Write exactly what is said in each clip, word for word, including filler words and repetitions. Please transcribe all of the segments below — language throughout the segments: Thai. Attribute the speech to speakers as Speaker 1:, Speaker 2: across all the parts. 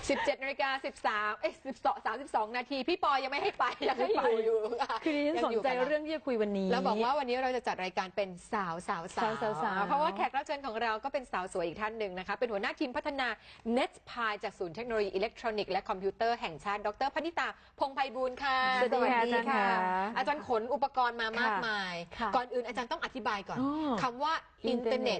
Speaker 1: สิบเจ็ดนาฬิกาสิบสามเอ้ยสิบสองสามสิบสองนาทีพี่ปอยังไม่ให้ไปยังให้อยู่อยู่
Speaker 2: คือดิฉันสนใจเรื่องที่จะคุยวันนี้
Speaker 1: แล้วบอกว่าวันนี้เราจะจัดรายการเป็นสาวสาวสาวเพราะว่าแขกรับเชิญของเราก็เป็นสาวสวยอีกท่านหนึ่งนะคะเป็นหัวหน้าทีมพัฒนา เน็ต พาย จากศูนย์เทคโนโลยีอิเล็กทรอนิกส์และคอมพิวเตอร์แห่งชาติดรพนิตาพงษ์ไพบูลย์ค่ะ
Speaker 2: สวัสดีค่ะ
Speaker 1: อาจารย์ขนอุปกรณ์มามากมายก่อนอื่นอาจารย์ต้องอธิบายก่อนคำว่าอินเทอร์เน็ต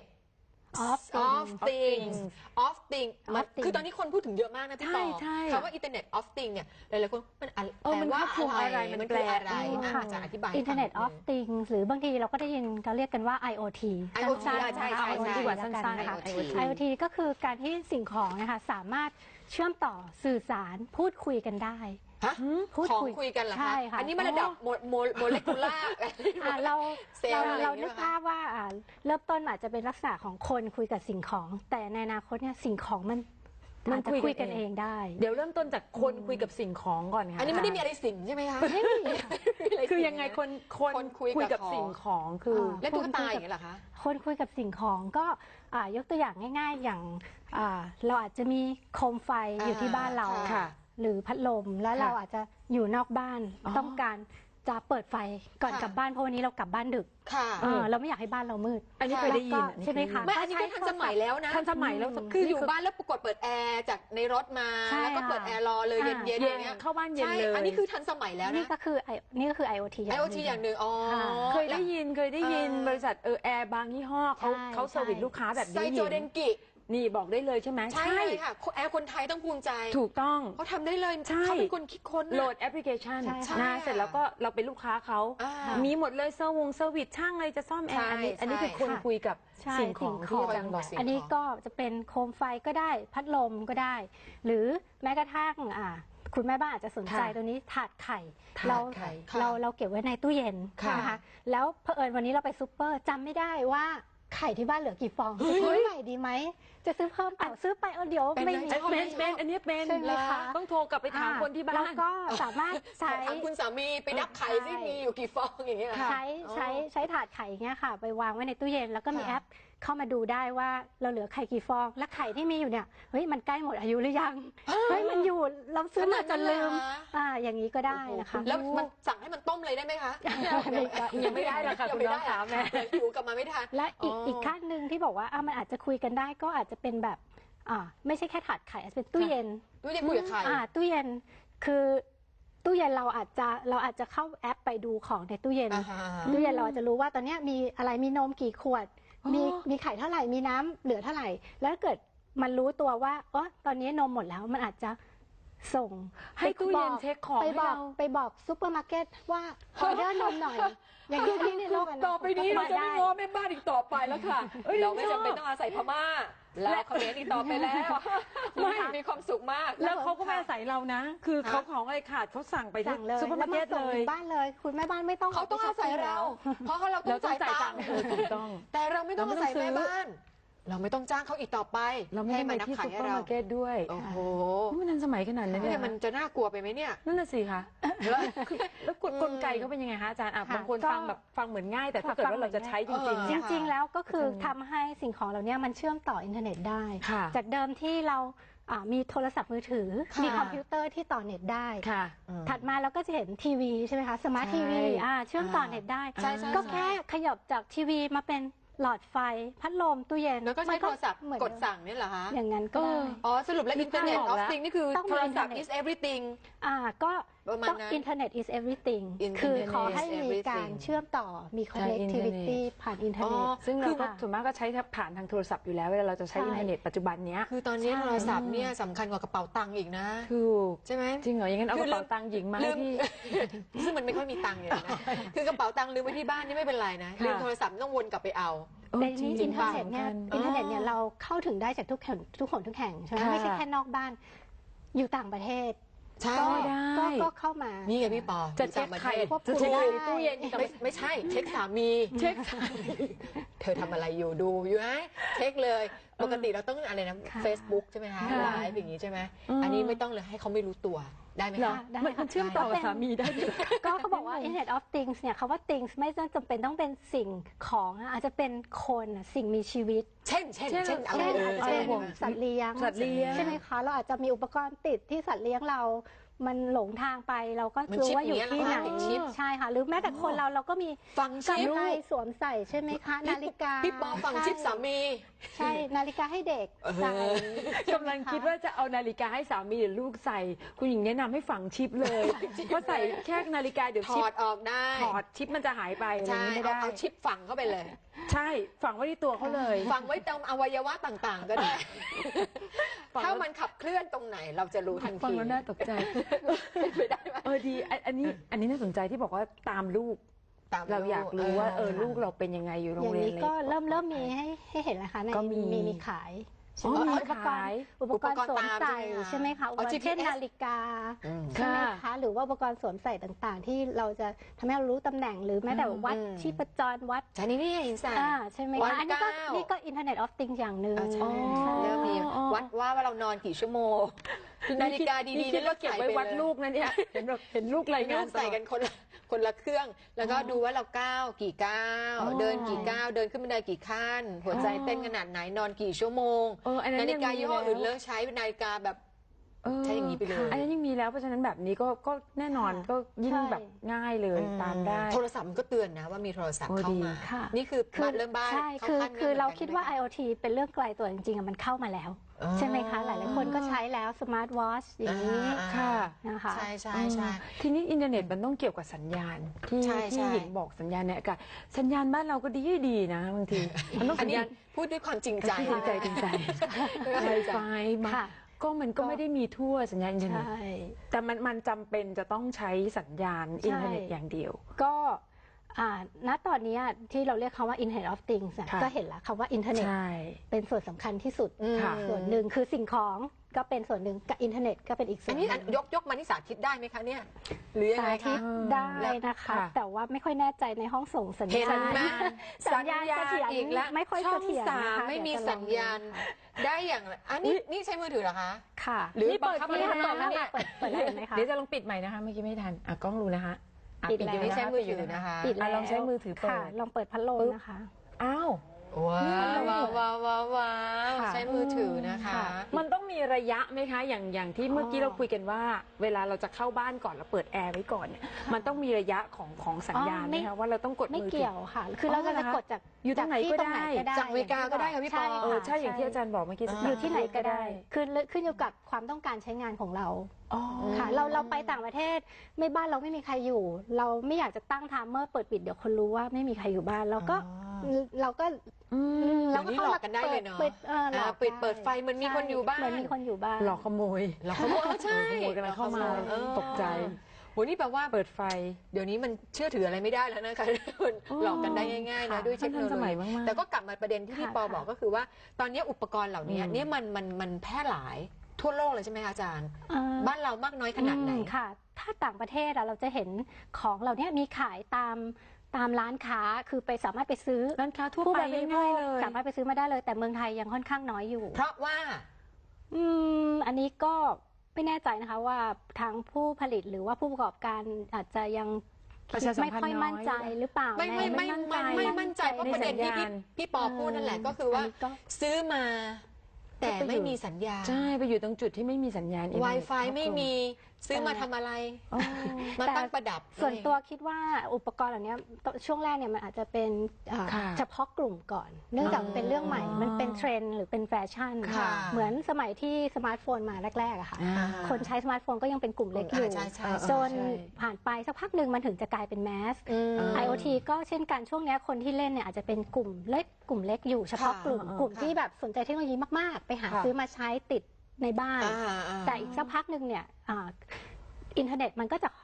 Speaker 3: of
Speaker 1: things of things คือตอนนี้คนพูดถึงเยอะมากนะพี่ปอคำว่า Internet of things เนี่ยหลายๆคนมันแปลว่าอะไรมันแปลอะไรอาจารย์อธิบาย
Speaker 3: Internet of things หรือบางทีเราก็ได้ยินเขาเรียกกันว่า ไอ โอ ที
Speaker 1: ไอ โอ ที ใช่ใช่ใช่
Speaker 3: ดีกว่าสั้นๆค่ะ ไอ โอ ที ก็คือการที่สิ่งของนะคะสามารถเชื่อมต่อสื่อสารพูดคุยกันได้
Speaker 1: ของคุยกันเหรอคะอันนี้มันระดับโมเลกุล่า
Speaker 3: เราเราเรานึกภาพว่าเริ่มต้นอาจจะเป็นลักษณะของคนคุยกับสิ่งของแต่ในอนาคตเนี่ยสิ่งของมันมันคุยกันเองได้
Speaker 2: เดี๋ยวเริ่มต้นจากคนคุยกับสิ่งของก่อนค่ะ
Speaker 1: อันนี้ไม่ได้มีอะไรสิ่งใช่ไหมคะ
Speaker 2: คือยังไงคนคนคุยกับสิ่งของคือ
Speaker 1: และตุ๊กตาอย่างนี้เหรอคะ
Speaker 3: คนคุยกับสิ่งของก็ยกตัวอย่างง่ายๆอย่างเราอาจจะมีโคมไฟอยู่ที่บ้านเราหรือพัดลมแล้วเราอาจจะอยู่นอกบ้านต้องการจะเปิดไฟก่อนกลับบ้านเพราะวันนี้เรากลับบ้านดึกเราไม่อยากให้บ้านเรามืด
Speaker 2: อันนี้เคยได้ยิน
Speaker 3: ใช่ไหมคะ
Speaker 1: ไม่อันนี้ก็ทันสมัยแล้วนะ
Speaker 2: ทันสมัยแล้ว
Speaker 1: คืออยู่บ้านแล้วกดเปิดแอร์จากในรถมาแล้วก็เปิดแอร์รอเลยเย็นๆอย่างเงี้ย
Speaker 2: เข้าบ้านเย็นเลย
Speaker 1: อันนี้คือทันสมัยแล้วนะ
Speaker 3: นี่ก็คือนี่ก็คือ ไอ โอ ที
Speaker 1: ไอ โอ ที อย่างหนึ่งอ๋อ
Speaker 2: เคยได้ยินเคยได้ยินบริษัทเออแอร์บางยี่ห้อเขาเขาเซอร์วิสลูกค้าแบบนี้
Speaker 1: ไซโจเดนกิ
Speaker 2: นี่บอกได้เลยใช่ไหม
Speaker 1: ใช่ค่ะแอร์คนไทยต้องภูมิใจ
Speaker 2: ถูกต้อง
Speaker 1: เขาทำได้เลยเขาเป็นคนคิดค้น
Speaker 2: โหลดแอปพลิเคชันนะเสร็จแล้วก็เราเป็นลูกค้าเขามีหมดเลยเซอร์วงเซอร์วิสช่างอะไรจะซ่อมแอร์อันนี้อันนี้คือคนคุยกับสิ่งของที่อาจารย์บอก
Speaker 3: อันนี้ก็จะเป็นโคมไฟก็ได้พัดลมก็ได้หรือแม้กระทั่งอ่าคุณแม่บ้านอาจจะสนใจตัวนี้ถาดไข่เราเราเราเก็บไว้ในตู้เย็นนะคะแล้วเผอิญวันนี้เราไปซูเปอร์จำไม่ได้ว่าไข่ที่บ้านเหลือกี่ฟองซื้อใหม่ดีไหมจะซื้อเพิ่มเปล่าซื้อไปเออเดี๋ยวไม่มี
Speaker 2: เป็นเป็นอันนี้เป็นต้องโทรกลับไปถามคนที่บ้าน
Speaker 3: แล้วก็สามารถใช้
Speaker 1: ถามคุณสามีไปนับไข่ซิมีอยู่กี่ฟองอย่างเงี้ย
Speaker 3: ใช้ใช้ใช้ถาดไข่เงี้ยค่ะไปวางไว้ในตู้เย็นแล้วก็มีแอปเข้ามาดูได้ว่าเราเหลือไข่กี่ฟองและไข่ที่มีอยู่เนี่ยเฮ้ยมันใกล้หมดอายุหรือยังเฮ้ยมันอยู่เราซื้อมาจนลืมอ่าอย่างนี้ก็ได้นะคะ
Speaker 1: แล้วมันสั่งให้มันต้มเลยได้ไหมคะ
Speaker 2: ยังไม่ได้หรอกค่ะคุณน้องขาแม่
Speaker 1: อยู่กลับมาไม่ทัน
Speaker 3: และอีกอีกขั้นหนึ่งที่บอกว่าอ่ามันอาจจะคุยกันได้ก็อาจจะเป็นแบบอ่าไม่ใช่แค่ถาดไข่อาจจะเป็นตู้เย็น
Speaker 1: ตู้เย็นคุยกับไข่
Speaker 3: อ่าตู้เย็นคือตู้เย็นเราอาจจะเราอาจจะเข้าแอปไปดูของในตู้เย็นตู้เย็นเราอาจจะรู้ว่าตอนนี้มีอะไรมีนมกี่ขวดมีมีไข่เท่าไหร่มีน้ำเหลือเท่าไหร่แล้วถ้าเกิดมันรู้ตัวว่าอ๋อตอนนี้นมหมดแล้วมันอาจจะส่ง
Speaker 2: ให้ตู้เย็นเช็คของ
Speaker 3: ไปบอกไปบอกซูเปอร์มาร์เก็ตว่าออเดอร์นมหน่อยอย่างนี้ที่ในโลก
Speaker 2: ต่อไปนี้เราจะไม่ง้อแม่บ้านอีกต่อไปแล้วค่ะ
Speaker 1: เราไม่จำเป็นต้องอาศัยพม่าแล้วเขาเลี้ยงอีกต่อไปแล้วไม่มีความสุขมาก
Speaker 2: แล้วเขาก็ไม่อาศัยเรานะคือเขาของอะไรขาดเขาสั่งไปที่ซูเปอร์มาร์เก็ตเลย
Speaker 3: บ้านเลยคุณแม่บ้านไม่ต้อง
Speaker 1: เขาต้องอาศัยเราเพราะเราต้องจ่ายตังค์
Speaker 2: ถูกต้อง
Speaker 1: แต่เราไม่ต้องอาศัยแม่บ้านเราไม่ต้องจ้างเขาอีกต่อไป
Speaker 2: เราไม่มาที่ซุปเปอร์มาร์เก็ตด้วย
Speaker 1: โอ้โห
Speaker 2: มันทันสมัยขนาดนั้น
Speaker 1: เนี่ยมันจะน่ากลัวไปไหมเนี่ย
Speaker 2: นั่นน่ะสิคะแล้วกลไกเขาเป็นยังไงคะอาจารย์บางคนฟังแบบฟังเหมือนง่ายแต่ถ้าเกิดว่าเราจะใช้จริง
Speaker 3: ๆจริงๆแล้วก็คือทำให้สิ่งของเราเนี่ยมันเชื่อมต่ออินเทอร์เน็ตได้จากเดิมที่เรามีโทรศัพท์มือถือมีคอมพิวเตอร์ที่ต่อเน็ตได้ถัดมาเราก็จะเห็นทีวีใช่ไหมคะสมาร์ททีวีเชื่อมต่อเน็ตได้ก็แค่ขยับจากทีวีมาเป็นหลอดไฟพัดลมตู้เย็น
Speaker 1: แล้วก็ใช้โทรศัพท์กดสั่งนี่เหรอคะ
Speaker 3: อย่างนั้นก็
Speaker 1: อ๋อสรุปแล้ว Internet of Things นี่คือโทรศัพท์ is everything
Speaker 3: อ่าก็ต้อง Internet is everything คือขอให้มีการเชื่อมต่อมี connectivity ผ่านอินเทอร์เน็ต
Speaker 2: ซึ่งเราส่วนมากก็ใช้ผ่านทางโทรศัพท์อยู่แล้วเวลาเราจะใช้อินเทอร์เน็ตปัจจุบันนี้
Speaker 1: คือตอนนี้โทรศัพท์เนี่ยสำคัญกว่ากระเป๋าตังค์อีกนะ
Speaker 2: ถูก
Speaker 1: ใช่ไหม
Speaker 2: จริงเหรออย่างนั้นเอากระเป๋าตังค์หญิงมาให้พี่
Speaker 1: ซึ่งมันไม่ค่อยมีตังค์เลยนะคือกระเป๋าตังค์ลืมไว้ที่บ้านนี่ไม่เป็นไรนะลืมโทรศัพท์ต้องวนกลับไปเอา
Speaker 3: ในนี้อินเทอร์เน็ตเนี่ยอินเทอร์เน็ตเนี่ยเราเข้าถึงได้จากทุกแห่งทุกคนทุกแห่งใช่ไหมไม่ใช่แค่นอกบ้านอยู่ต่างประเทศ
Speaker 1: ใช่
Speaker 3: ได้ก็เข้ามา
Speaker 1: นี่ไงพี่ปอ
Speaker 2: จะเช็คใครจะเช็คตู้เย็น
Speaker 1: ไม่ใช่เช็คสามีเช็คสามีเธอทำอะไรอยู่ดูอยู่ไหมเช็คเลยปกติเราต้องอะไรนะ Facebook ใช่ไหมคะไลฟ์อย่างนี้ใช่ไหมอันนี้ไม่ต้องเลยให้เขาไม่รู้ตัวได้ไหม
Speaker 2: เหรอ
Speaker 1: คะ
Speaker 3: ได้
Speaker 2: มันมันเชื่อมต่อกับสามีได้ด้วยเหรอ
Speaker 3: ก็เขาบอกว่า Internet of Things เนี่ยคำว่า things ไม่จำเป็นต้องเป็นสิ่งของนะอาจจะเป็นคนน่ะสิ่งมีชีวิต
Speaker 1: เช่นเช่นเช่นอะไร
Speaker 3: เช่น
Speaker 1: เอ
Speaker 3: อาจ
Speaker 1: อ
Speaker 3: จะ
Speaker 1: เช่
Speaker 3: เป็น น
Speaker 1: อะไร
Speaker 3: สัตว์เลี้ยง
Speaker 2: สัตว์เลี้ยง
Speaker 3: ใช่ไหมคะเราอาจจะมีอุปกรณ์ติดที่สัตว์เลี้ยงเรา มันหลงทางไปเราก็
Speaker 1: มัน
Speaker 3: รู้
Speaker 1: ชิป
Speaker 3: ว่าอยู่ที่ไหน
Speaker 1: อย่างเงี้ยเหรอติดชิป
Speaker 3: ใช่ค่ะหรือแม้แต่คนเราเราก็มี
Speaker 1: ฟังชิป
Speaker 3: กำไรสวมใส่ใช่ไหมคะ นาฬิกา
Speaker 1: พี่ปอฟังชิปสามี
Speaker 3: ใช่นาฬิกาให้เด็กใส่
Speaker 2: กำลังคิดว่าจะเอานาฬิกาให้สามีหรือลูกใส่ คุณหญิงแนะนำให้ฝังชิปเลยเพราะใส่แค่นาฬิกาเดี๋ยว
Speaker 1: ถ
Speaker 2: ชิ
Speaker 1: อ
Speaker 2: ป
Speaker 1: ดออกได้
Speaker 2: ถอดชิปมันจะหายไปอะไรอ
Speaker 1: ใช่
Speaker 2: ย่างนี้ไม่
Speaker 1: เอา
Speaker 2: ได้
Speaker 1: เอาชิปฝังเข้าไปเลย
Speaker 2: ใช่ฝังไว้ที่ตัวเขาเลย
Speaker 1: ฝังไว้ตามอวัยวะต่างๆ ก็ได้
Speaker 2: ฝัง
Speaker 1: ถ้ามันขับเคลื่อนตรงไหนเราจะรู้ทัน
Speaker 2: ฟัง
Speaker 1: ที
Speaker 2: แล้วน่าตกใจ
Speaker 1: เป็นไปได้ไหม
Speaker 2: เออดีอันอันนี้อันนี้น่าสนใจที่บอกว่าตามลูก
Speaker 1: ตาม
Speaker 2: เราอยากรู้ว่าเออลูกเราเป็นยังไงอยู่โร
Speaker 3: อง ย่าง
Speaker 2: เรียน
Speaker 3: นี้
Speaker 2: อะไร
Speaker 3: ก็เริ่มเริ่มมีให้ให้เห็นแล้วค่ะใน
Speaker 2: ก็มี
Speaker 3: มีมีขาย
Speaker 2: อ๋อ
Speaker 3: ใช่ไห
Speaker 2: มี
Speaker 3: อุปกร
Speaker 2: ขาย
Speaker 3: ณ์อุปกรณ์สวมใส่ใช่ไหมคะอุปกรณ์เช่นนาฬิกา
Speaker 1: อืม
Speaker 3: ใช่ไหมคะหรือว่าอุปกรณ์สวมใส่ต่างๆ ที่เราจะทำให้เรารู้ตำแหน่ง หรือแม้แต่วัด
Speaker 1: อืม
Speaker 3: ชีพจรวัด
Speaker 1: ใช่นี่นี่เห็นใส่
Speaker 3: อ่าใช่ไหม
Speaker 1: วัด
Speaker 3: คะอันนี้ก็
Speaker 1: ก้าว
Speaker 3: นี่ก็ Internet of Things อย่างหนึ่ง
Speaker 1: อ่าใช่
Speaker 3: ใช่
Speaker 1: เริ่มมี
Speaker 2: อ๋อ
Speaker 1: วัดว่าว่าเรานอนกี่ชั่วโมง นาฬิกาดีๆ
Speaker 2: นี่คิดว่าเก็บไว้วัดลูกนะเนี่ยเห็นแบบเห็นลูกราย
Speaker 1: งาง
Speaker 2: าน น
Speaker 1: ใส่กันคนละคนละเครื่อง แล้วก็ดูว่าเราก้าวกี่ก้าว
Speaker 2: อ๋อ
Speaker 1: เดินกี่ก้าวเดินขึ้นบันไดกี่ขั้น หัวใจเต้นขนาดไหนนอนกี่ชั่วโมง
Speaker 2: เอออันนั้น
Speaker 1: นาฬิกา
Speaker 2: ยังมี
Speaker 1: ยี่ห้อ
Speaker 2: แล้ว
Speaker 1: อื่นเลิกใช้นาฬิกาแบบ
Speaker 2: เออ
Speaker 1: ใช้อย่างนี้ไปเลย
Speaker 2: อันนี้ยังมีแล้วเพราะฉะนั้นแบบนี้ก็ก็แน่นอนก็ยิ่ง
Speaker 3: ใช่
Speaker 2: แบบง่ายเลยตามได้
Speaker 1: โทรศัพท์มันก็เตือนนะว่ามีโทรศัพท์
Speaker 2: โอ้
Speaker 1: เข้า
Speaker 2: ดี
Speaker 1: มา
Speaker 3: ค่ะ
Speaker 1: นี่คือบ้านเริ่มบ้าน
Speaker 3: ใช่
Speaker 1: เข้า
Speaker 3: คือ
Speaker 1: ขั้น
Speaker 3: คือเรา
Speaker 1: หมืนกัน
Speaker 3: คิดว่า
Speaker 1: ไหม
Speaker 3: IoT เป็นเรื่องไกลตัวจริงๆอะมันเข้ามาแล้ว
Speaker 1: อ๋อ
Speaker 3: ใช่ไหมคะ หลายๆคนก็ใช้แล้วสมาร์ทวอชอย่างนี้
Speaker 1: อ่า
Speaker 2: ค่ะ
Speaker 3: นะคะ
Speaker 1: ใช่ใช่ใช่
Speaker 2: ทีนี้อินเทอร์เน็ตมันต้องเกี่ยวกับสัญญาณที่
Speaker 1: ใช่
Speaker 2: ที่
Speaker 1: ใช่
Speaker 2: หญิงบอกสัญญาณในอากาศสัญญาณบ้านเราก็ดีดีนะบางทีมันต้อง
Speaker 1: อัน
Speaker 2: สัญ
Speaker 1: นี้
Speaker 2: ญาณ
Speaker 1: พูดด้วยความจริงใจ
Speaker 2: จริงใจจริงใจไวไฟมา
Speaker 3: ค่ะ
Speaker 2: ก็มันก็ไม่ได้มีทั่วสัญญาณอินเทอร์เน็ต
Speaker 3: ใช่
Speaker 2: แต่มันมันจำเป็นจะต้องใช้สัญญาณอินเทอร์เน็ตอย่างเดียว
Speaker 3: ก็อ่าณตอนนี้ที่เราเรียกคำว่า Internet of Things อะ
Speaker 2: ค่ะ
Speaker 3: ก็เห็นแล้วคำว่าอินเทอร์เน็ต
Speaker 2: ใช่
Speaker 3: เป็นส่วนสำคัญที่สุด
Speaker 1: อืม
Speaker 2: ค่ะ
Speaker 3: ส่วนหนึ่งคือสิ่งของก็เป็นส่วนหนึ่งกับอินเทอร์เน็ตก็เป็นอีกส่
Speaker 1: อั
Speaker 3: วน นห
Speaker 1: นี้
Speaker 3: นึ่ง
Speaker 1: ยกยกมาที่สาธิตได้ไหมคะเนี่ย หรือยัง
Speaker 3: สา
Speaker 1: ไง
Speaker 3: ธิ
Speaker 1: คะ
Speaker 3: ตได้นะคะ
Speaker 2: ค่ะ
Speaker 3: แต่ว่าไม่ค่อยแน่ใจในห้องส่งสัญ
Speaker 1: เห็น
Speaker 3: ญาณ
Speaker 1: ไหม
Speaker 3: สัญญาณเสถียร
Speaker 1: อีกแล้ว
Speaker 3: ไม่ค่อย
Speaker 1: ช่อง
Speaker 3: เสถียร
Speaker 1: สาม
Speaker 3: นะคะ
Speaker 1: ไม่มี
Speaker 3: เดี๋ยวจะลอง
Speaker 1: สัญญาณได้อย่างอันนี้นี่ใช้มือถือเหรอคะ
Speaker 3: ค่ะ
Speaker 1: หรือ
Speaker 2: นี่เปิด
Speaker 1: บังคับ
Speaker 2: นี่
Speaker 1: ไม่
Speaker 2: ค่ะ
Speaker 1: ได้
Speaker 2: เปิดแล้วเนี่ย
Speaker 3: เปิดเปิดได้ไหมคะ
Speaker 2: เดี๋ยวจะลองปิดใหม่นะคะเมื่อกี้ไม่ทันอ่ะกล้องรู้นะคะอ่ะ
Speaker 3: ปิดแล้ว
Speaker 2: ยู่
Speaker 1: นี่
Speaker 2: นะ
Speaker 1: ใช้
Speaker 2: คะ
Speaker 1: มือถือนะคะ
Speaker 3: ปิดแล้ว
Speaker 2: อ่ะลองใช้มือถือเปิด
Speaker 3: ค่ะ ลองเปิดพัดลมนะคะ
Speaker 2: อ้าว
Speaker 1: ว้าวว้าวว้าวว้าวว้าว
Speaker 2: ค่ะ
Speaker 1: ใช้มือถือนะคะ
Speaker 3: ค่ะ
Speaker 2: มันต้องมีระยะไหมคะ อย่างอย่างที่เมื่อกี้เราคุยกันว่า เวลาเราจะเข้าบ้านก่อนเราเปิดแอร์ไว้ก่อนเนี่ยมันต้องมีระยะของของสัญญาณ
Speaker 3: อ๋อ
Speaker 2: ไห
Speaker 3: ไม่
Speaker 2: มคะว่าเราต้องกด
Speaker 3: ไม่
Speaker 2: มือถื
Speaker 3: เกี่ยวค่ะ คือเรา
Speaker 2: อ๋อเหร
Speaker 3: จะ
Speaker 2: อคะ
Speaker 3: กดจาก
Speaker 2: อยู่ตรงไหน
Speaker 3: ที่
Speaker 2: ก็ได้
Speaker 1: จากอเมริกาก็ได้ค่ะพี่ปอ
Speaker 3: ใช่
Speaker 2: เออ
Speaker 3: ค่ะ
Speaker 2: ใช่อย่างที่อาจารย์บอกเมื่อกี้
Speaker 1: อ่า
Speaker 3: อยู่ที่ไหนก็ได้คือขึ้นอยู่กับความต้องการใช้งานของเรา
Speaker 2: อ๋อ
Speaker 3: ค่ะเราเราไปต่างประเทศไม่บ้านเราไม่มีใครอยู่ เราไม่อยากจะตั้งไทม์เมอร์เปิดปิดเดี๋ยวคนรู้ว่าไม่มีใครอยู่บ้านเราก็
Speaker 1: อ๋อ
Speaker 3: เราก็
Speaker 2: อืม
Speaker 1: เดี๋ยวนี้หลอกกันได้เลยเนอะ
Speaker 3: ปิดเออหลอก
Speaker 1: อ่าปิดเปิดไฟเหมือนมีคนอยู่บ้าน
Speaker 3: เหมือนมีคนอยู่บ้าน
Speaker 2: หลอกขโมย
Speaker 1: เราขโมยเออใช่
Speaker 2: ขโมยกำลังเข้ามา
Speaker 1: เออ
Speaker 2: ตกใจ
Speaker 1: โหนี่แปลว่า
Speaker 2: เปิดไฟ
Speaker 1: เดี๋ยวนี้มันเชื่อถืออะไรไม่ได้แล้วนะคะ มัน
Speaker 2: อ๋อ
Speaker 1: หลอกกันได้ง่ายๆนะ
Speaker 3: ค่ะ
Speaker 1: ด้วยเทคโนโล
Speaker 2: ทันสมัย
Speaker 1: ยี
Speaker 2: มากๆ
Speaker 1: แต่ก็กลับมาประเด็นที่พี่
Speaker 3: ค่ะ
Speaker 1: ปอ
Speaker 3: ค่ะ
Speaker 1: บอกก็คือว่า ตอนนี้อุปกรณ์เหล่านี้
Speaker 2: อืม
Speaker 1: เนี่ยมันมันมันแพร่หลายทั่วโลกเลยใช่ไหมคะอาจารย์
Speaker 3: เอ่อ
Speaker 1: บ้านเรามากน้อยขนาดไหน
Speaker 3: อืมค่ะ ถ้าต่างประเทศอะเราจะเห็นของเหล่านี้มีขายตามตามร้านค้าคือไปสามารถไปซื้อ
Speaker 2: ร้านค้าทั่ว
Speaker 3: ผู้
Speaker 2: ไป
Speaker 3: บริโภ
Speaker 2: ง่าย
Speaker 3: ค
Speaker 2: ๆเลย
Speaker 3: สามารถไปซื้อมาได้เลย แต่เมืองไทยยังค่อนข้างน้อยอยู่
Speaker 1: เพราะว่า
Speaker 3: อืมอันนี้ก็ไม่แน่ใจนะคะว่าทางผู้ผลิตหรือว่าผู้ประกอบการอาจจะยัง
Speaker 2: ประชาสัม
Speaker 3: ไม่
Speaker 2: พันธ์
Speaker 3: ค่อยมั่นใจ
Speaker 2: น้อย
Speaker 3: หรือเปล่า
Speaker 1: ไม่ไม่ไม่
Speaker 3: ใน
Speaker 1: ไม่ไม่มั่นใจเพราะประเด็นที่พี่พี่ปอพูดนั่นแหละก็คือว่า
Speaker 3: นนี้ก็
Speaker 1: ซื้อมา แต่ไม่มีสัญญาณ
Speaker 2: ใช่ไปอยู่ตรงจุดที่ไม่มีสัญญาณอินเทอร์เน็ต
Speaker 1: Wi-Fi ไม่มีซื้อมาทำอะไร
Speaker 2: อ๋อ
Speaker 1: มาตั้งประดับ
Speaker 3: ส่วนตัวคิดว่าอุปกรณ์เหล่านี้ช่วงแรกเนี่ยมันอาจจะเป็นอ่า
Speaker 2: ค่ะ
Speaker 3: เฉพาะกลุ่มก่อน เนื่องจาก
Speaker 1: อ๋อ
Speaker 3: เป็นเรื่องใหม่ มันเป็นเทรนด์หรือเป็นแฟชั่น
Speaker 1: ค่ะ
Speaker 3: เหมือนสมัยที่สมาร์ทโฟนมาแรกๆอะค่ะ
Speaker 2: อ่า
Speaker 3: คนใช้สมาร์ทโฟนก็ยังเป็นกลุ่มเล็กอยู่
Speaker 1: ใช่ใช่
Speaker 3: จน
Speaker 2: ใช่
Speaker 3: ผ่านไปสักพักหนึ่งมันถึงจะกลายเป็นแมส
Speaker 1: อืม
Speaker 3: IoT ก็เช่นกันช่วงเนี้ยคนที่เล่นเนี่ยอาจจะเป็นกลุ่มเล็กกลุ่มเล็กอยู่เฉพาะ
Speaker 1: ค่ะ
Speaker 3: กลุ่ม
Speaker 2: อ่าก
Speaker 3: ลุ่ม
Speaker 1: ค่ะ
Speaker 3: ที่แบบสนใจเทคโนโลยีมากๆ ไปหา
Speaker 2: ค่ะ
Speaker 3: ซื้อมาใช้ติดในบ้าน
Speaker 1: อ่าอ่า
Speaker 3: แต่อีกสักพักหนึ่งเนี่ยอ่าอินเทอร์เน็ตมันก็จะ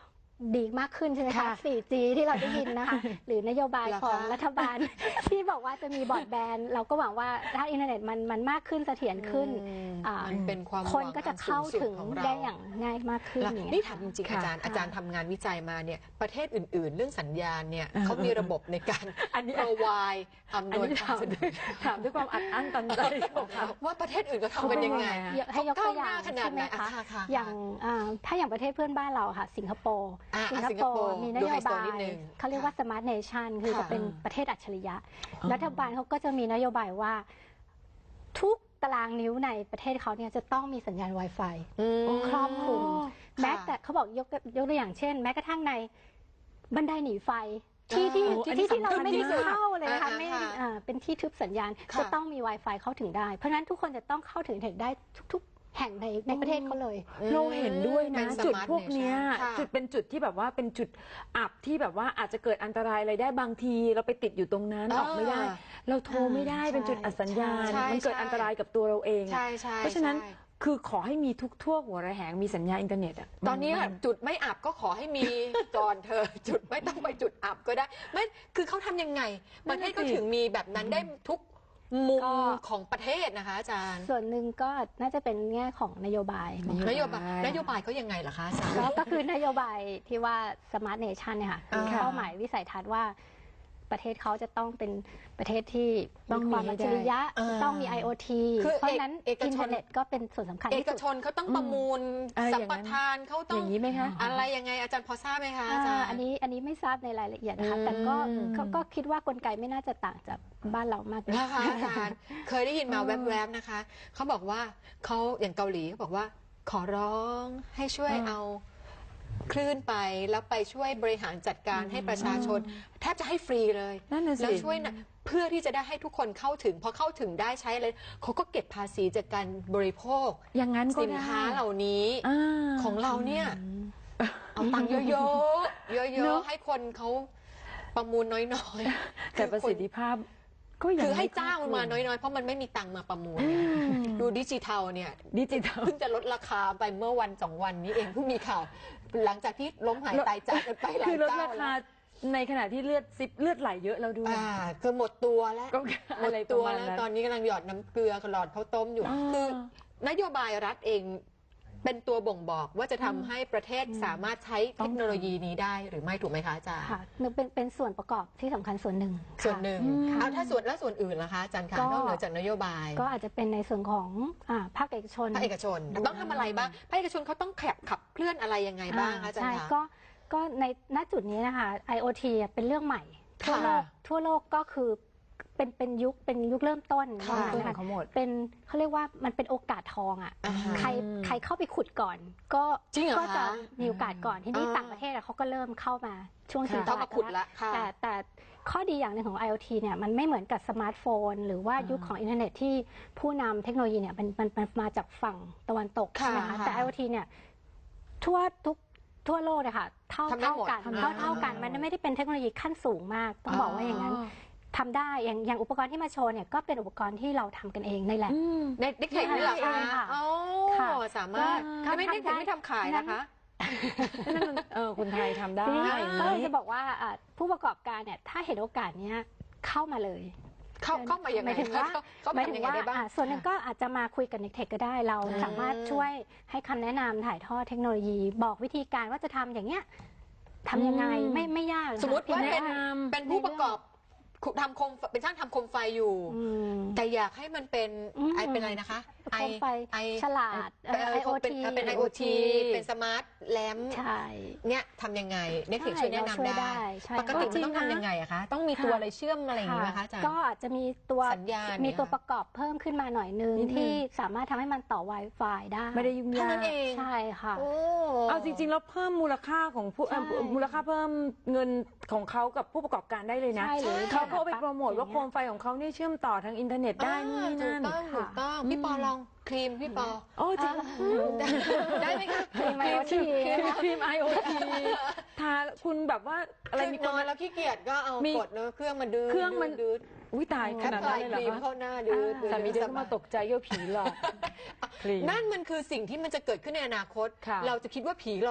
Speaker 3: ดีมากขึ้นใช่ไหมคะ
Speaker 2: ค่ะ
Speaker 3: โฟร์จี ที่เราได้ยินนะคะ หรือนโยบาย
Speaker 1: เหรอคะ
Speaker 3: ของรัฐบาล ที่บอกว่าจะมีบอร์ดแบนด์เราก็หวังว่าถ้าอินเทอร์เน็ตมันมันมากขึ้นเสถียรขึ้น
Speaker 1: อืม
Speaker 3: อ่า
Speaker 1: มันเป็นความ
Speaker 3: คน
Speaker 1: หวัง
Speaker 3: ก็จะ
Speaker 1: อัน
Speaker 3: เข้า
Speaker 1: สูงสุ
Speaker 3: ถึง
Speaker 1: ของเร
Speaker 3: ได้อย่างง่ายมากขึ้น
Speaker 1: แล้ว
Speaker 3: อย่างเงี้
Speaker 1: นี่
Speaker 3: ย
Speaker 1: ถามจริงๆ
Speaker 2: ค่ะ
Speaker 1: อาจารย์
Speaker 3: ค่ะ
Speaker 1: อาจารย์ทำงานวิจัยมาเนี่ยประเทศอื่นๆ เรื่องสัญญาณเนี่ยเขามีระบบในการ
Speaker 2: อันนี้
Speaker 1: provide อำน
Speaker 2: อัน
Speaker 1: วย
Speaker 2: นี้
Speaker 1: ควา
Speaker 2: ถาม ม
Speaker 1: สะดวก
Speaker 2: ถามด้วยความอัดอั้นตันใจของเขา
Speaker 1: ว่าประเทศอื่นเขาทำกันยังไง
Speaker 2: เขาเป็นยังไงอะ
Speaker 3: เยอะให้ยกตัวอย่าง
Speaker 1: เขาก้าวหน้าขนาด
Speaker 3: ใช่ไหม
Speaker 1: ไหน
Speaker 3: คะ
Speaker 1: อ่ะค่ะค่ะ
Speaker 3: อย่างอ่าถ้าอย่างประเทศเพื่อนบ้านเราค่ะ สิงคโปร์
Speaker 1: อ่ะ
Speaker 3: สิงค
Speaker 1: สิงค
Speaker 3: โป
Speaker 1: โปร์
Speaker 3: ร์มีน
Speaker 1: ดู
Speaker 3: โย
Speaker 1: ไฮโซ
Speaker 3: บาย
Speaker 1: นิดนึง
Speaker 3: เขาเรียกว่า smart nation คือ
Speaker 1: ค่ะ
Speaker 3: จะเป็นประเทศอัจฉริยะ รัฐบาลเขาก็จะมีนโยบายว่า ทุกตารางนิ้วในประเทศเขาเนี่ยจะต้องมีสัญญาณ Wi-Fi
Speaker 1: อืม
Speaker 3: ครอบคลุม
Speaker 1: ค่ะ
Speaker 3: แม้แต่เขาบอกยกยกตัวอย่างเช่น แม้กระทั่งในบันไดหนีไฟ ที่ที่
Speaker 2: โอ้อันนี้
Speaker 3: ที่ที่เรา
Speaker 2: สำคัญ
Speaker 3: ไม่ได้
Speaker 2: ที่สุด
Speaker 3: เข้าเลยนะคะ
Speaker 1: อ่า
Speaker 3: ไม่
Speaker 1: ค่ะ
Speaker 3: อ่าเป็นที่ทึบสัญญาณ
Speaker 1: ค่ะ
Speaker 3: จะต้องมี Wi-Fi เข้าถึงได้ เพราะฉะนั้นทุกคนจะต้องเข้าถึงอินเทอร์เน็ตได้ทุก ๆ แห่งในในประเทศเขาเลย
Speaker 2: เราเห็นด้วย
Speaker 1: เป็
Speaker 2: นะ
Speaker 1: น
Speaker 2: จุด
Speaker 1: smart
Speaker 2: พวกเนี้ย
Speaker 1: nation ค่ะ
Speaker 2: จุดเป็นจุดที่แบบว่าเป็นจุดอับที่แบบว่าอาจจะเกิดอันตรายอะไรได้บางที เราไปติดอยู่ตรงนั้น
Speaker 1: อ่า
Speaker 2: ออกไม่ได้ เราโทรไม่ได้
Speaker 3: ใช่
Speaker 2: เป็นจุดอับสัญญาณ
Speaker 1: ใช่
Speaker 2: มันเกิด
Speaker 1: ใช่
Speaker 2: อันตรายกับตัวเราเองอะ
Speaker 1: ใช่ใช่
Speaker 2: เพราะฉะนั้น
Speaker 1: ใช่
Speaker 2: คือขอให้มีทุกทั่วหัวระแหงมีสัญญาณอินเทอร์เน็ตอะ
Speaker 1: ตอนนี้
Speaker 2: มั
Speaker 1: จุดไม่อับก็ขอให้มี ก่อนเธอ จุดไม่ต้องไปจุดอับก็ได้ไม่คือเขาทำยังไง ประเทศก็ถึงมีแบบนั้นได้ทุกมุม
Speaker 3: ก็
Speaker 1: ของประเทศนะคะอาจารย์
Speaker 3: ส่วนหนึ่งก็น่าจะเป็นแง่ของนโยบาย
Speaker 1: นโยบายนโยบายเขายังไงล่ะคะอาจารย์
Speaker 3: ก็ก็คือนโยบายที่ว่า smart nation เนี่ยค่ะคือ
Speaker 1: ค่ะ
Speaker 3: เป้าหมายวิสัยทัศน์ว่าประเทศเขาจะต้องเป็นประเทศที่
Speaker 2: ต้อง
Speaker 3: มีความ
Speaker 2: มีให้
Speaker 3: อัจฉริยะ
Speaker 1: ได้
Speaker 3: จะต้องมี ไอ โอ ที
Speaker 1: คือ
Speaker 3: เพราะฉะนั้น
Speaker 1: เอกชน
Speaker 3: อินเทอร์เน็ตก็เป็นส่วนสำคัญ
Speaker 1: เอ
Speaker 3: ที่
Speaker 1: ก
Speaker 3: สุด
Speaker 1: ชนเขาต้องประมูล
Speaker 2: อะไร
Speaker 1: สั
Speaker 2: อ
Speaker 1: ม
Speaker 2: ย่าง
Speaker 1: ป
Speaker 2: นั้น
Speaker 1: ทานเขาต้
Speaker 2: อ
Speaker 1: อง
Speaker 2: ย่างนี้ไหมคะ
Speaker 1: อะไรยังไงอาจารย์พอทราบไหมคะอา
Speaker 3: อ่า
Speaker 1: จารย์
Speaker 3: อันนี้อันนี้ไม่ทราบในรายละเอียดนะคะ แต่ก็
Speaker 1: อืม
Speaker 3: ก็ก็คิดว่ากลไกไม่น่าจะต่างจากบ้านเรามากนัก
Speaker 1: นะคะอาจารย์เคยได้ยินมาแวบๆนะคะเขาบอกว่าเขาอย่างเกาหลีเขาบอกว่าขอร้องให้ช่วยเอาคลื่นไปแล้วไปช่วยบริหารจัดการให้ประชาชน แทบจะให้ฟรีเลย
Speaker 2: นั่นน่ะสิ
Speaker 1: แล้วช่วยนะเพื่อที่จะได้ให้ทุกคนเข้าถึงพอเข้าถึงได้ใช้อะไรเขาก็เก็บภาษีจากการบริโภค
Speaker 2: อย่างนั้นก็
Speaker 1: สิน
Speaker 2: ได้
Speaker 1: ค้าเหล่านี้
Speaker 2: อ่า
Speaker 1: ของเราเนี่ยเอาตังค์เยอะๆเย
Speaker 2: เน
Speaker 1: อะ
Speaker 2: อะ
Speaker 1: ๆให้คนเขาประมูลน้อยๆ
Speaker 2: แต่ประสิทธิภาพก็ยัง
Speaker 1: คือให้
Speaker 2: ไม่
Speaker 1: จ้างมันมาน้อยๆ เพราะมันไม่มีตังค์มาประมูลไงดูดิจิทัลเนี่ย
Speaker 2: ดิจิทัล
Speaker 1: เพิ่งจะลดราคาไปเมื่อวันสองวันนี้เองเพิ่งมีข่าว หลังจากที่ล้มหายตายจากกันไปหลา
Speaker 2: คื
Speaker 1: ย
Speaker 2: อลด
Speaker 1: เจ้า
Speaker 2: ราคา
Speaker 1: แล้ว
Speaker 2: ในขณะที่เลือดซิปเลือดไหลเยอะแล้วด้วย
Speaker 1: อ่าคือหมดตัวแล้ว
Speaker 2: ก็
Speaker 1: หม
Speaker 2: อะ
Speaker 1: ด
Speaker 2: ไรป
Speaker 1: ตั
Speaker 2: ระ
Speaker 1: ว
Speaker 2: มาณ
Speaker 1: แล้ว
Speaker 2: นั้น
Speaker 1: ตอนนี้กำลังหยอดน้ำเกลือกับหลอดข้าวต้มอยู่
Speaker 2: อ๋อ
Speaker 1: คือนโยบายรัฐเองเป็นตัวบ่งบอกว่าจะทำให้ประเทศสามารถใช้เทคโนโลยีนี้ได้หรือไม่ถูกไหมคะอาจารย์
Speaker 3: ค่ะเป็นเป็นส่วนประกอบที่สำคัญส่วนหนึ่ง
Speaker 1: ส่วนหนึ่ง
Speaker 3: ค่ะ
Speaker 1: เอาถ้าส่วนแล้วส่วนอื่นล่ะคะอาจารย์คะ
Speaker 3: ก็
Speaker 1: นอกเหนือจากนโยบาย
Speaker 3: ก็อาจจะเป็นในส่วนของอ่าภาคเอกชน
Speaker 1: ภาคเอกชนต้องทำอะไรบ้างภาคเอกชนเขาต้องขับขับเคลื่อนอะไรยังไงบ้างคะอาจาร
Speaker 3: ใช่
Speaker 1: ย์คะ
Speaker 3: ก็ก็ในณจุดนี้นะคะ ไอ โอ ที เป็นเรื่องใหม่ ทั่วโลกทั่วโลกก็คือเป็นเป็นยุคเป็นยุคเริ่มต้น
Speaker 1: ค่ะ
Speaker 3: ว่างั้น
Speaker 2: ของเขาหมด
Speaker 3: เป็นเขาเรียกว่ามันเป็นโอกาสทองอ่ะ
Speaker 1: อ่าฮะ
Speaker 3: ใครใครเข้าไปขุดก่อน ก็
Speaker 1: จริงเหรอ
Speaker 3: ก็จะ
Speaker 1: คะ
Speaker 3: มีโอกาสก่อนที่นี่
Speaker 1: อ่า
Speaker 3: ต่างประเทศอะเขาก็เริ่มเข้ามาช่วง
Speaker 2: ค่ะ
Speaker 3: ชิงต
Speaker 1: เข้า
Speaker 3: ลา
Speaker 1: มา
Speaker 3: ด
Speaker 1: ขุดละค่ะ
Speaker 3: แต่แต่ข้อดีอย่างหนึ่งของ ไอ โอ ที เนี่ยมันไม่เหมือนกับสมาร์ทโฟน หรือว่ายุคของอินเทอร์เน็ตที่ผู้นำเทคโนโลยีเนี่ยมันมันมันมาจากฝั่งตะวันตก
Speaker 1: ค่ะ
Speaker 3: ใช่ไหมคะ
Speaker 1: ค่ะ
Speaker 3: แต่ ไอ โอ ที เนี่ยทั่วทุกทั่วโลกเลยค่ะเท่า
Speaker 1: ทำได้
Speaker 3: เท่า
Speaker 1: หมด
Speaker 3: กัน
Speaker 1: ทำได้
Speaker 3: เท่าเท่ากันมันไม่ได้เป็นเทคโนโลยีขั้นสูงมาก ต้องบอกว่าอย่างนั้นทำได้อย่างอย่างอุปกรณ์ที่มาโชว์เนี่ยก็เป็นอุปกรณ์ที่เราทำกันเองในแลบ
Speaker 1: ในเด็กเทคนี่เหรอ
Speaker 3: ใช่
Speaker 1: คะ
Speaker 3: ค่ะ
Speaker 1: อ๋อ
Speaker 3: ค่ะ
Speaker 1: สามารถ
Speaker 3: ก็
Speaker 1: ไม่ได้
Speaker 3: ทำได้
Speaker 1: ไม่ทำขายนะคะ
Speaker 2: นั่นมันเออคนไทยทำได้
Speaker 3: ทีนี้
Speaker 2: อย่าง
Speaker 3: ก็เลย
Speaker 2: นี้
Speaker 3: จะบอกว่าอ่ะผู้ประกอบการเนี่ยถ้าเห็นโอกาสเนี้ยเข้ามาเลย
Speaker 1: เข้าเข้ามายัง
Speaker 3: ห
Speaker 1: ไง
Speaker 3: มายถึงว่า
Speaker 1: เข้าเข้า
Speaker 3: หมาย
Speaker 1: มา
Speaker 3: ถึ
Speaker 1: ยัง งไง
Speaker 3: ว่า
Speaker 1: ได้บ้าง
Speaker 3: อ่ะส่วนหนึ่งก็อาจจะมาคุยกับเน็กเทคก็ได้เรา
Speaker 1: อืม
Speaker 3: สามารถช่วยให้คำแนะนำถ่ายทอดเทคโนโลยี บอกวิธีการว่าจะทำอย่างเงี้ยทำยังไง
Speaker 2: อืม
Speaker 3: ไม่ไม่ยากนะคะ
Speaker 1: สมมติว่า
Speaker 3: พียง
Speaker 1: เป็น
Speaker 3: แค่
Speaker 1: เป็นผู้ประกอบทำโคมเป็นช่างทำโคมไฟอยู่
Speaker 3: อืม
Speaker 1: แต่อยากให้มันเป็น
Speaker 3: อืม
Speaker 1: ไอเป็นอะไรนะคะ
Speaker 3: โคมไฟ
Speaker 1: ไอ
Speaker 3: ฉลาด
Speaker 1: เอ่อ
Speaker 3: ไอโอ
Speaker 1: เป็น
Speaker 3: ที
Speaker 1: เป็น ไอ โอ ที เป็นสมาร์ทแลมป์
Speaker 3: ใช่
Speaker 1: เนี่ยทำยังไงเน็กเทค
Speaker 3: ใช่
Speaker 1: ช่วยแนะ
Speaker 3: เราช่วย
Speaker 1: นำได้
Speaker 3: ได้ใช่
Speaker 1: ปกติ
Speaker 2: จริ
Speaker 1: มัน
Speaker 2: ง
Speaker 1: ต้อง
Speaker 2: นะ
Speaker 1: ทำยังไงอะคะ ต้องมีตัวอะไรเชื่อมอะไรอย่างงี้ไหมคะอาจารย์
Speaker 3: ก็อาจจะมีตัว
Speaker 1: สัญญาณ
Speaker 3: มี
Speaker 1: เนี่ย
Speaker 3: ตัวประกอบเพิ่มขึ้นมาหน่อยนึง
Speaker 2: นิดนึง
Speaker 3: ที่สามารถทำให้มันต่อ Wi-Fi ได้
Speaker 2: ไม่ได้ยุ่งาก
Speaker 1: เท่ายนั้นเอง
Speaker 3: ใช่ค่ะ
Speaker 1: โอ้
Speaker 2: เอาจริงๆแล้วเพิ่มมูลค่าของผู้เอ่อ
Speaker 3: ใช่
Speaker 2: มูลค่าเพิ่มเงินของเขากับผู้ประกอบการได้เลยนะ
Speaker 3: ใช่หรือ
Speaker 2: เขาเขาไปโปรโมท
Speaker 3: อย่ง
Speaker 2: ว่า
Speaker 3: เงี้ย
Speaker 2: โคมไฟของเขาเนี่ยเชื่อมต่อทางอินเทอร์เน็ตได้นู่นนี่นั่น
Speaker 1: ถูกต้องถูกต้อง พี่ปอลองครีมพี่ปอ
Speaker 2: โอ้จริง
Speaker 1: ได้ไหมคะ
Speaker 3: ครีม IoT
Speaker 2: ครีม ไอ โอ ที ทาคุณแบบว่าอะไรมี
Speaker 1: น
Speaker 2: คน
Speaker 1: อนแล้วขี้เกียจก็เอา
Speaker 2: มี
Speaker 1: กดเนอะเครื่องมันดื้อ
Speaker 2: เครื่องมัน
Speaker 1: ดื้อ
Speaker 2: อุ้ยตายข
Speaker 1: แค่
Speaker 2: นาด
Speaker 1: ปลา
Speaker 2: นั้น
Speaker 1: ย
Speaker 2: เลย
Speaker 1: ค
Speaker 2: เหรอ
Speaker 1: รีม
Speaker 2: คะ
Speaker 1: เข้าหน้าดื้อดื้อ
Speaker 2: สามีเดินเข้ามาตกใจว่าผีหลอกครีม
Speaker 1: นั่นมันคือสิ่งที่มันจะเกิดขึ้นในอนาคต
Speaker 2: ค่ะ
Speaker 1: เราจะคิดว่าผีหลอก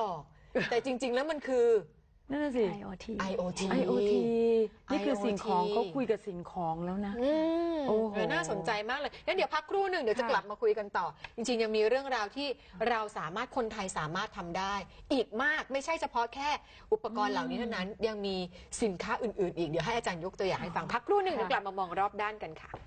Speaker 1: แต่จริง ๆ แล้วมันคือ
Speaker 2: นั่นน่ะสิ
Speaker 3: ไอ โอ ที
Speaker 1: ไอ โอ ที
Speaker 2: ไอ โอ ที นี่คือสิ่งของ
Speaker 1: ไอ โอ ที
Speaker 2: เขาคุยกับสิ่งของแล้วนะ
Speaker 1: อืม
Speaker 2: โอ้โห
Speaker 1: เออน่าสนใจมากเลยงั้นเดี๋ยวพักครู่หนึ่งเดี๋ยวจะ
Speaker 2: ค่ะ
Speaker 1: กลับมาคุยกันต่อ จริงๆยังมีเรื่องราวที่เราสามารถคนไทยสามารถทำได้ อีกมากไม่ใช่เฉพาะแค่อุปกรณ์เหล่านี้เท่านั้นยังมีสินค้าอื่นๆอีกเดี๋ยวให้อาจารย์ยกตัวอย่างให้ฟังพักครู่หนึ่งเดี๋ยวกลับมามองรอบด้านกันค่ะ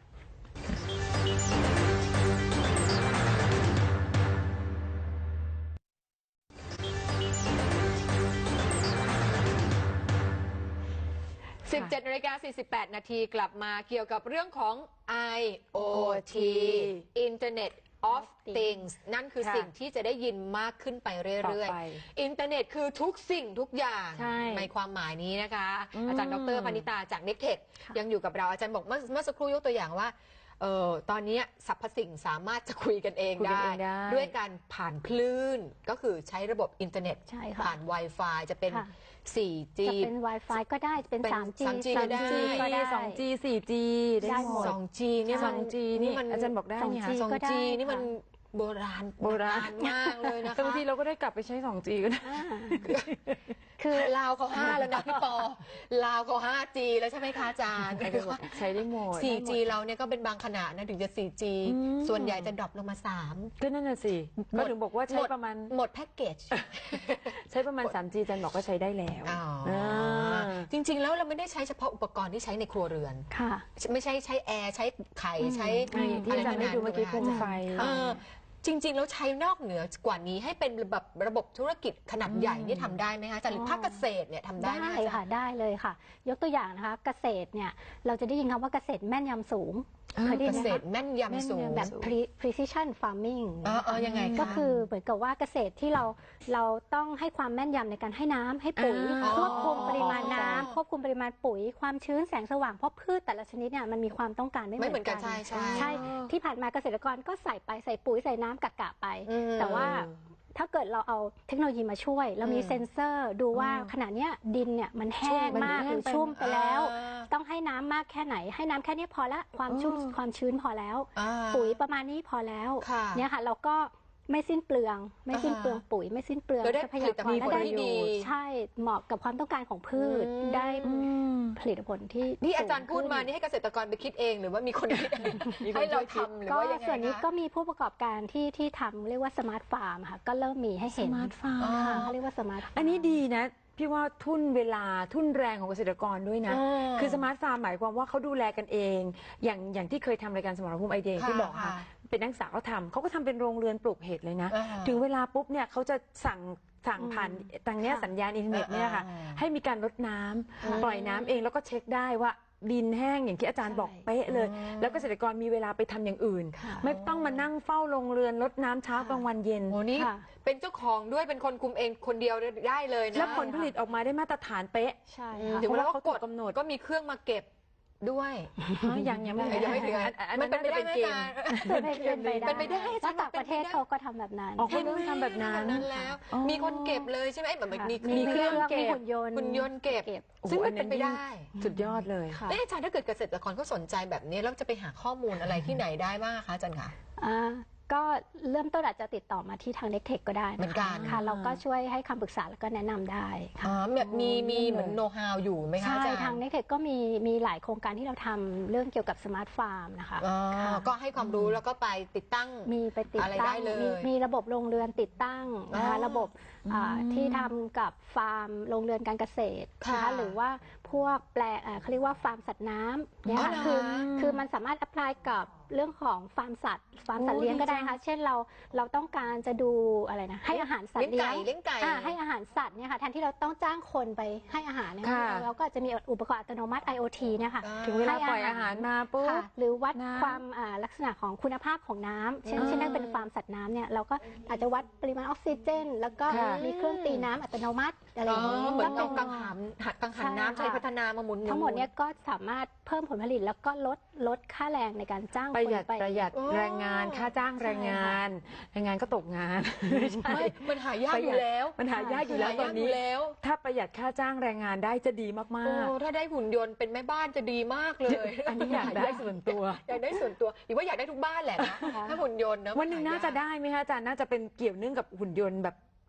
Speaker 1: สิบเจ็ดนาฬิกาสี่สิบแปดนาทีกลับมาเกี่ยวกับเรื่องของ ไอ โอ ที Internet of Things นั่นคือ
Speaker 2: ค่ะ
Speaker 1: สิ่งที่จะได้ยินมากขึ้นไปเรื่อย
Speaker 2: ต่อไป
Speaker 1: ๆ อินเทอร์เน็ตคือทุกสิ่งทุกอย่าง
Speaker 2: ใช่
Speaker 1: ในความหมายนี้นะคะ
Speaker 2: อืม
Speaker 1: อาจารย์ดรพนิตาจาก เน็กเทค ยังอยู่กับเราอาจารย์บอกเมื่อเมื่อสักครู่ยกตัวอย่างว่าเออตอนนี้สรรพสิ่งสามารถจะคุยกันเอง
Speaker 2: คุยกัน
Speaker 1: ได้
Speaker 2: เองได้
Speaker 1: ด้วยการผ่านคลื่นก็คือใช้ระบบอินเทอร์เน็ต
Speaker 3: ใช่ค่ะ
Speaker 1: ผ่าน Wi-Fi จะเป็น
Speaker 3: ค่ะ
Speaker 1: โฟร์จี
Speaker 3: จะเป็น Wi-Fi ก็ได้จะเป็น
Speaker 1: เป็น
Speaker 3: ทรี
Speaker 1: ทรี จี ก็ได้
Speaker 3: ก็ได้
Speaker 2: สองจี สี่จี ได้
Speaker 3: ได้
Speaker 2: ห
Speaker 3: ห
Speaker 2: ม
Speaker 3: ม
Speaker 2: ด
Speaker 3: ด
Speaker 1: สองจีนี่มัน
Speaker 2: สองจี นี่อาจารย์บอกได้เนี่ย
Speaker 3: สองจี
Speaker 1: สอง
Speaker 3: ก็ได้
Speaker 1: จีนี่มัน
Speaker 3: ค่ะ
Speaker 1: โบราณ
Speaker 2: โบราณ
Speaker 1: มากเลยนะคะ
Speaker 2: แต่บางทีเราก็ได้กลับไปใช้ สองจี ก็ได้
Speaker 3: อ่าคือ
Speaker 1: ลาวเขาห้าแล้วนะพี่ปอลาวเขาห้าจีแล้วใช่ไหมคะอาจารย์
Speaker 2: ใช้ได้หมด
Speaker 1: สี่จีเราเนี่ยก็เป็นบางขนาดนะถึงจะ สี่จี
Speaker 2: อืม
Speaker 1: ส่วนใหญ่จะดรอปลงมาสาม
Speaker 2: ก็นั่นน่ะสิ
Speaker 1: หม
Speaker 2: ก็
Speaker 1: ด
Speaker 2: ถึงบอกว่าใช้ประมาณ
Speaker 1: หมดแพ็กเกจ
Speaker 2: ใช้ประมาณ สามจี อาจารย์บอกก็ใช้ได้แล้ว
Speaker 1: อ๋อ
Speaker 2: อ่า
Speaker 1: จริง ๆ แล้วเราไม่ได้ใช้เฉพาะอุปกรณ์ที่ใช้ในครัวเรือน
Speaker 3: ค่ะ
Speaker 1: ไม่ใช่ใช้แอร์ใช้ไข่ใช้
Speaker 2: อืมที่อาจารย์ให้ดูเมื่อกี้โคมไฟ
Speaker 1: เออจริง ๆ แล้วใช้นอกเหนือกว่านี้ให้เป็นแบบระบบธุรกิจขนาดใหญ่นี่ทำได้ไหมคะอาจารย์หรือภาคเกษตรเนี่ยทำได้ไหม
Speaker 3: ได้
Speaker 1: อาจารย์
Speaker 3: ค่ะได้เลยค่ะ ยกตัวอย่างนะคะเกษตรเนี่ยเราจะได้ยินคำว่าเกษตรแม่นยำสูงเคยได้
Speaker 1: เก
Speaker 3: ยินไหม
Speaker 1: ษ
Speaker 3: คะ
Speaker 1: ตรแม่นยำสูง
Speaker 3: แบบ pre- precision farming
Speaker 1: เออเออยังไงคะ
Speaker 3: ก็คือเหมือนกับว่าเกษตรที่เราเราต้องให้ความแม่นยำในการให้น้ำให้ปุ๋ย
Speaker 2: อ่า
Speaker 3: ควบคุมปริมาณ
Speaker 1: อ๋อ
Speaker 3: น้ำควบคุมปริมาณปุ๋ย ความชื้นแสงสว่างเพราะพืชแต่ละชนิดเนี่ยมันมีความต้องการไม่
Speaker 1: ไม่
Speaker 3: เห
Speaker 1: เห
Speaker 3: มื
Speaker 1: มื
Speaker 3: อ
Speaker 1: อน น
Speaker 3: กั
Speaker 1: กัน นใช่ใช่
Speaker 3: ใช่ที่ผ่านมาเกษตรกรก็ใส่ไปใส่ปุ๋ยใส่น้ำกะกะไป
Speaker 1: อืม
Speaker 3: แต่ว่าถ้าเกิดเราเอาเทคโนโลยีมาช่วย เรามี
Speaker 1: อืม
Speaker 3: เซ็นเซอร์ดูว่าขณะเนี้ยดินเนี่ยมันแห้ง
Speaker 2: มัน
Speaker 3: มาก
Speaker 2: แห้
Speaker 3: ห
Speaker 2: ง
Speaker 3: รือ
Speaker 2: ไป
Speaker 3: ชุ่มไปแล้ว
Speaker 1: อ่า
Speaker 3: ต้องให้น้ำมากแค่ไหน ให้น้ำแค่นี้พอละความชุ่ม
Speaker 2: อืม
Speaker 3: ความชื้นพอแล้ว
Speaker 1: อ่า
Speaker 3: ปุ๋ยประมาณนี้พอแล้ว
Speaker 1: ค่ะ
Speaker 3: เนี่ยค่ะเราก็ไม่สิ้นเปลือง ไม่สิ้น
Speaker 1: อ่า
Speaker 3: เปลืองปุ๋ย ไม่สิ้นเปลือง
Speaker 1: เราได้
Speaker 3: ทรัพ
Speaker 1: ผ
Speaker 3: ยา
Speaker 1: ลิต
Speaker 3: ก
Speaker 1: ภั
Speaker 3: ร
Speaker 1: ณฑ์
Speaker 3: และได้
Speaker 1: ที่ดี
Speaker 3: ใช่เหมาะกับความต้องการของพืช
Speaker 1: อืม
Speaker 3: ได้
Speaker 2: อืม
Speaker 3: ผลิตผลที่
Speaker 1: นี่อาจารย์
Speaker 3: สูง
Speaker 1: พูดมา
Speaker 3: ขึ้น
Speaker 1: นี่ให้เกษตรกรไปคิดเองหรือว่ามีคนคิดเอง
Speaker 2: มีคน
Speaker 1: ให้เรา
Speaker 2: ช่วยคิด
Speaker 1: ทำหรือ
Speaker 3: ก็
Speaker 1: ว่ายังไง
Speaker 3: ส่วนนี้
Speaker 1: คะ
Speaker 3: ก็มีผู้ประกอบการที่ที่ทำเรียกว่าสมาร์ทฟาร์มค่ะก็เริ่มมีให้เห็น
Speaker 2: สมาร์ทฟาร์ม
Speaker 1: อ๋อ
Speaker 3: ค่ะเขาเรียกว่าสมาร์ทฟาร์ม
Speaker 2: อันนี้ดีนะ พี่ว่าทุ่นเวลาทุ่นแรงของเกษตรกรด้วยนะ
Speaker 1: อืม
Speaker 2: คือสมาร์ทฟาร์มหมายความว่าเขาดูแลกันเอง อย่างอย่างที่เคยทำรายการสมรภูมิไอเดีย
Speaker 1: ค่ะ
Speaker 2: ที่บอกค่ะ
Speaker 1: ค่ะ
Speaker 2: เป็นนักศึกษาเขาทำเขาก็ทำเป็นโรงเรือนปลูกเห็ดเลยนะ
Speaker 1: อ่า
Speaker 2: ถึงเวลาปุ๊บเนี่ยเขาจะสั่งสั่งผ่านทางเนี้ย
Speaker 3: ค่ะ
Speaker 2: สัญญาณอินเทอร์เน็ตเนี่ยค่ะ
Speaker 1: อ่า
Speaker 2: ให้มีการลดน้ำปล่อยน้ำเองแล้วก็เช็คได้ว่าดินแห้งอย่างที่อาจารย์
Speaker 3: ใช่
Speaker 2: บอกเป๊ะเลย แล้วเกษตรกรมีเวลาไปทำอย่างอื่น
Speaker 3: ค่ะ
Speaker 2: ไม่ต้องมานั่งเฝ้าโรงเรือนลดน้ำเช้ากลางวันเย็น
Speaker 1: โอ้นี่
Speaker 3: ค่ะ
Speaker 1: เป็นเจ้าของด้วยเป็นคนคุมเองคนเดียวได้เลยนะ
Speaker 2: แล้วผลผลิตออกมาได้มาตรฐานเป๊ะ
Speaker 3: ใช่
Speaker 1: อืม
Speaker 3: ค่ะ
Speaker 1: ถึงเวลา
Speaker 2: เพราะว่า
Speaker 1: เขา
Speaker 2: เขา
Speaker 1: ก
Speaker 2: ถู
Speaker 1: ด
Speaker 2: กกำหนด
Speaker 1: ก็มีเครื่องมาเก็บด้วย
Speaker 2: ยังยังไม่
Speaker 1: ยังไม่ถึง
Speaker 2: อันอัน
Speaker 1: มั
Speaker 2: นั้น น
Speaker 1: เป็น
Speaker 2: น่า
Speaker 1: ไป
Speaker 2: จะ
Speaker 1: ได้
Speaker 2: เป็น
Speaker 1: ไหม
Speaker 2: เก
Speaker 1: อา
Speaker 2: ม
Speaker 1: จารย์
Speaker 3: เป็นไปได้
Speaker 1: เป็นไปได้
Speaker 3: ถ้าต่างประเทศเขาก็ทำแบบนั้น
Speaker 2: อ๋อ เขาเริ่มทำแบบนั้น
Speaker 1: นั้นแล้ว
Speaker 2: อ๋อ
Speaker 1: มีคนเก็บเลยใช่ไหมแบบ
Speaker 3: ค่ะ
Speaker 1: มี
Speaker 3: มีเครื่อง
Speaker 2: เก็บ
Speaker 3: มีหุ่นยนต์
Speaker 1: หุ่นยนต์เก็บ
Speaker 3: เก็บ
Speaker 1: ซึ่งมัน
Speaker 2: โอ้โห
Speaker 1: เป็นไปได้
Speaker 2: สุดยอดเลย
Speaker 3: ค่ะ
Speaker 1: เอ๊ะอาจารย์ถ้าเกิดเกษตรกรเขาสนใจแบบนี้แล้วจะไปหาข้อมูลอะไรที่ไหนได้บ้างคะอาจารย์คะ
Speaker 3: อ่าก็เริ่มต้นอาจจะติดต่อมาที่ทางเน็กเทคก็ได้
Speaker 1: เหมือนกัน
Speaker 3: ค่ะ เราก็ช่วยให้คำปรึกษาแล้วก็แนะนำได้ค่ะ
Speaker 1: อ๋อแบบมีมีเหมือนโน้ตฮาวอยู่ไหมคะ
Speaker 3: ใช่
Speaker 1: อาจารย์
Speaker 3: ทางเน็กเทคก็มีมีหลายโครงการที่เราทำเรื่องเกี่ยวกับสมาร์ทฟาร์มนะคะ
Speaker 1: อ๋อ
Speaker 3: ค่ะ
Speaker 1: ก็ให้ความรู้แล้วก็ไปติดตั้ง
Speaker 3: มีไปติด
Speaker 1: อะไร
Speaker 3: ตั้
Speaker 1: ได้
Speaker 3: ง
Speaker 1: เลย
Speaker 3: มีมีระบบโรงเรือนติดตั้งนะคะ
Speaker 1: อ๋อ
Speaker 3: ระบบอ่าที่ทำกับฟาร์มโรงเรือนการเกษตรนะ
Speaker 1: ค่ะ
Speaker 3: คะหรือว่าพวกแปลงอ่าเขาเรียกว่าฟาร์มสัตว์น้ำเนี่ย
Speaker 1: อ๋อ
Speaker 3: ค่ะ
Speaker 1: เหรอ
Speaker 3: คือคือมันสามารถ apply กับเรื่องของฟาร์มสัตว์ฟาร์มสัตว์
Speaker 2: โอ้
Speaker 3: เลี้ยงก็ได้
Speaker 2: ดีจัง
Speaker 3: ค่ะเช่นเราเราต้องการจะดูอะไรนะให้อาหารสัตว์
Speaker 1: เลี้
Speaker 3: เลี้
Speaker 1: ย
Speaker 3: ย
Speaker 1: ง
Speaker 3: ง
Speaker 1: ไก่เลี้ยงไก่
Speaker 3: อ่าให้อาหารสัตว์เนี่ยค่ะแทนที่เราต้องจ้างคนไปให้อาหารเนี่ย
Speaker 2: ค่ะ
Speaker 3: เราก็อาจจะมีอุปกรณ์อัตโนมัติ ไอ โอ ที เนี่ยค่ะ
Speaker 1: อ่า
Speaker 2: ถึงเวลา
Speaker 3: ให้อาหาร
Speaker 2: ปล่อยอาหารมาปุ๊บ
Speaker 3: ค่ะหรือวัด
Speaker 2: น้ำ
Speaker 3: ความอ่าลักษณะของคุณภาพของน้ำเช่น
Speaker 2: อ่า
Speaker 3: เช่นถ้าเป็นฟาร์มสัตว์น้ำเนี่ยเราก็อาจจะวัดปริมาณออกซิเจน แล้วก็
Speaker 2: ค่ะ
Speaker 3: มีเครื่องตีน้ำอัตโนมัติอะไรอ
Speaker 1: อ๋อย่าง
Speaker 3: นี้
Speaker 1: เหมือน
Speaker 3: ก็
Speaker 1: เอา
Speaker 3: เป็น
Speaker 1: กังหันหัดกังหันน้ำ
Speaker 3: ใช่
Speaker 1: ใช้
Speaker 3: ค่ะ
Speaker 1: พัฒนามาหมุน
Speaker 3: ทั้งหมดเนี่ยก็สามารถเพิ่มผลผลิตแล้วก็ลดลดค่าแรงในการจ้าง
Speaker 2: ประ
Speaker 3: คน
Speaker 2: หยัด
Speaker 3: ไป
Speaker 2: ประหยัด
Speaker 1: โอ้
Speaker 2: แรงงานค่าจ้างแรงงานแรงงานก็ตกงานไม่ใช่
Speaker 1: ไม่มันหายากอยู่แล้ว
Speaker 2: มันหายากอยู่แล้ว
Speaker 1: หา
Speaker 2: ตอน
Speaker 1: ยาก
Speaker 2: นี้
Speaker 1: ยู่แล้ว
Speaker 2: ถ้าประหยัดค่าจ้างแรงงานได้จะดีมาก
Speaker 1: โอ้ถ้าได้หุ่นยนต์เป็นแม่บ้านจะดีมากเลย
Speaker 2: ๆ อันนี้อยากได้ส่วนตัว
Speaker 1: อยากได้ส่วนตัวอีกว่าอยากได้ทุกบ้านแหละนะถ้าหุ่นยนต์นะ
Speaker 2: วันหนึ่งน่าจะได้ไหมคะอาจารย์น่าจะเป็นเกี่ยวเนื่องกับหุ่นยนต์แบบ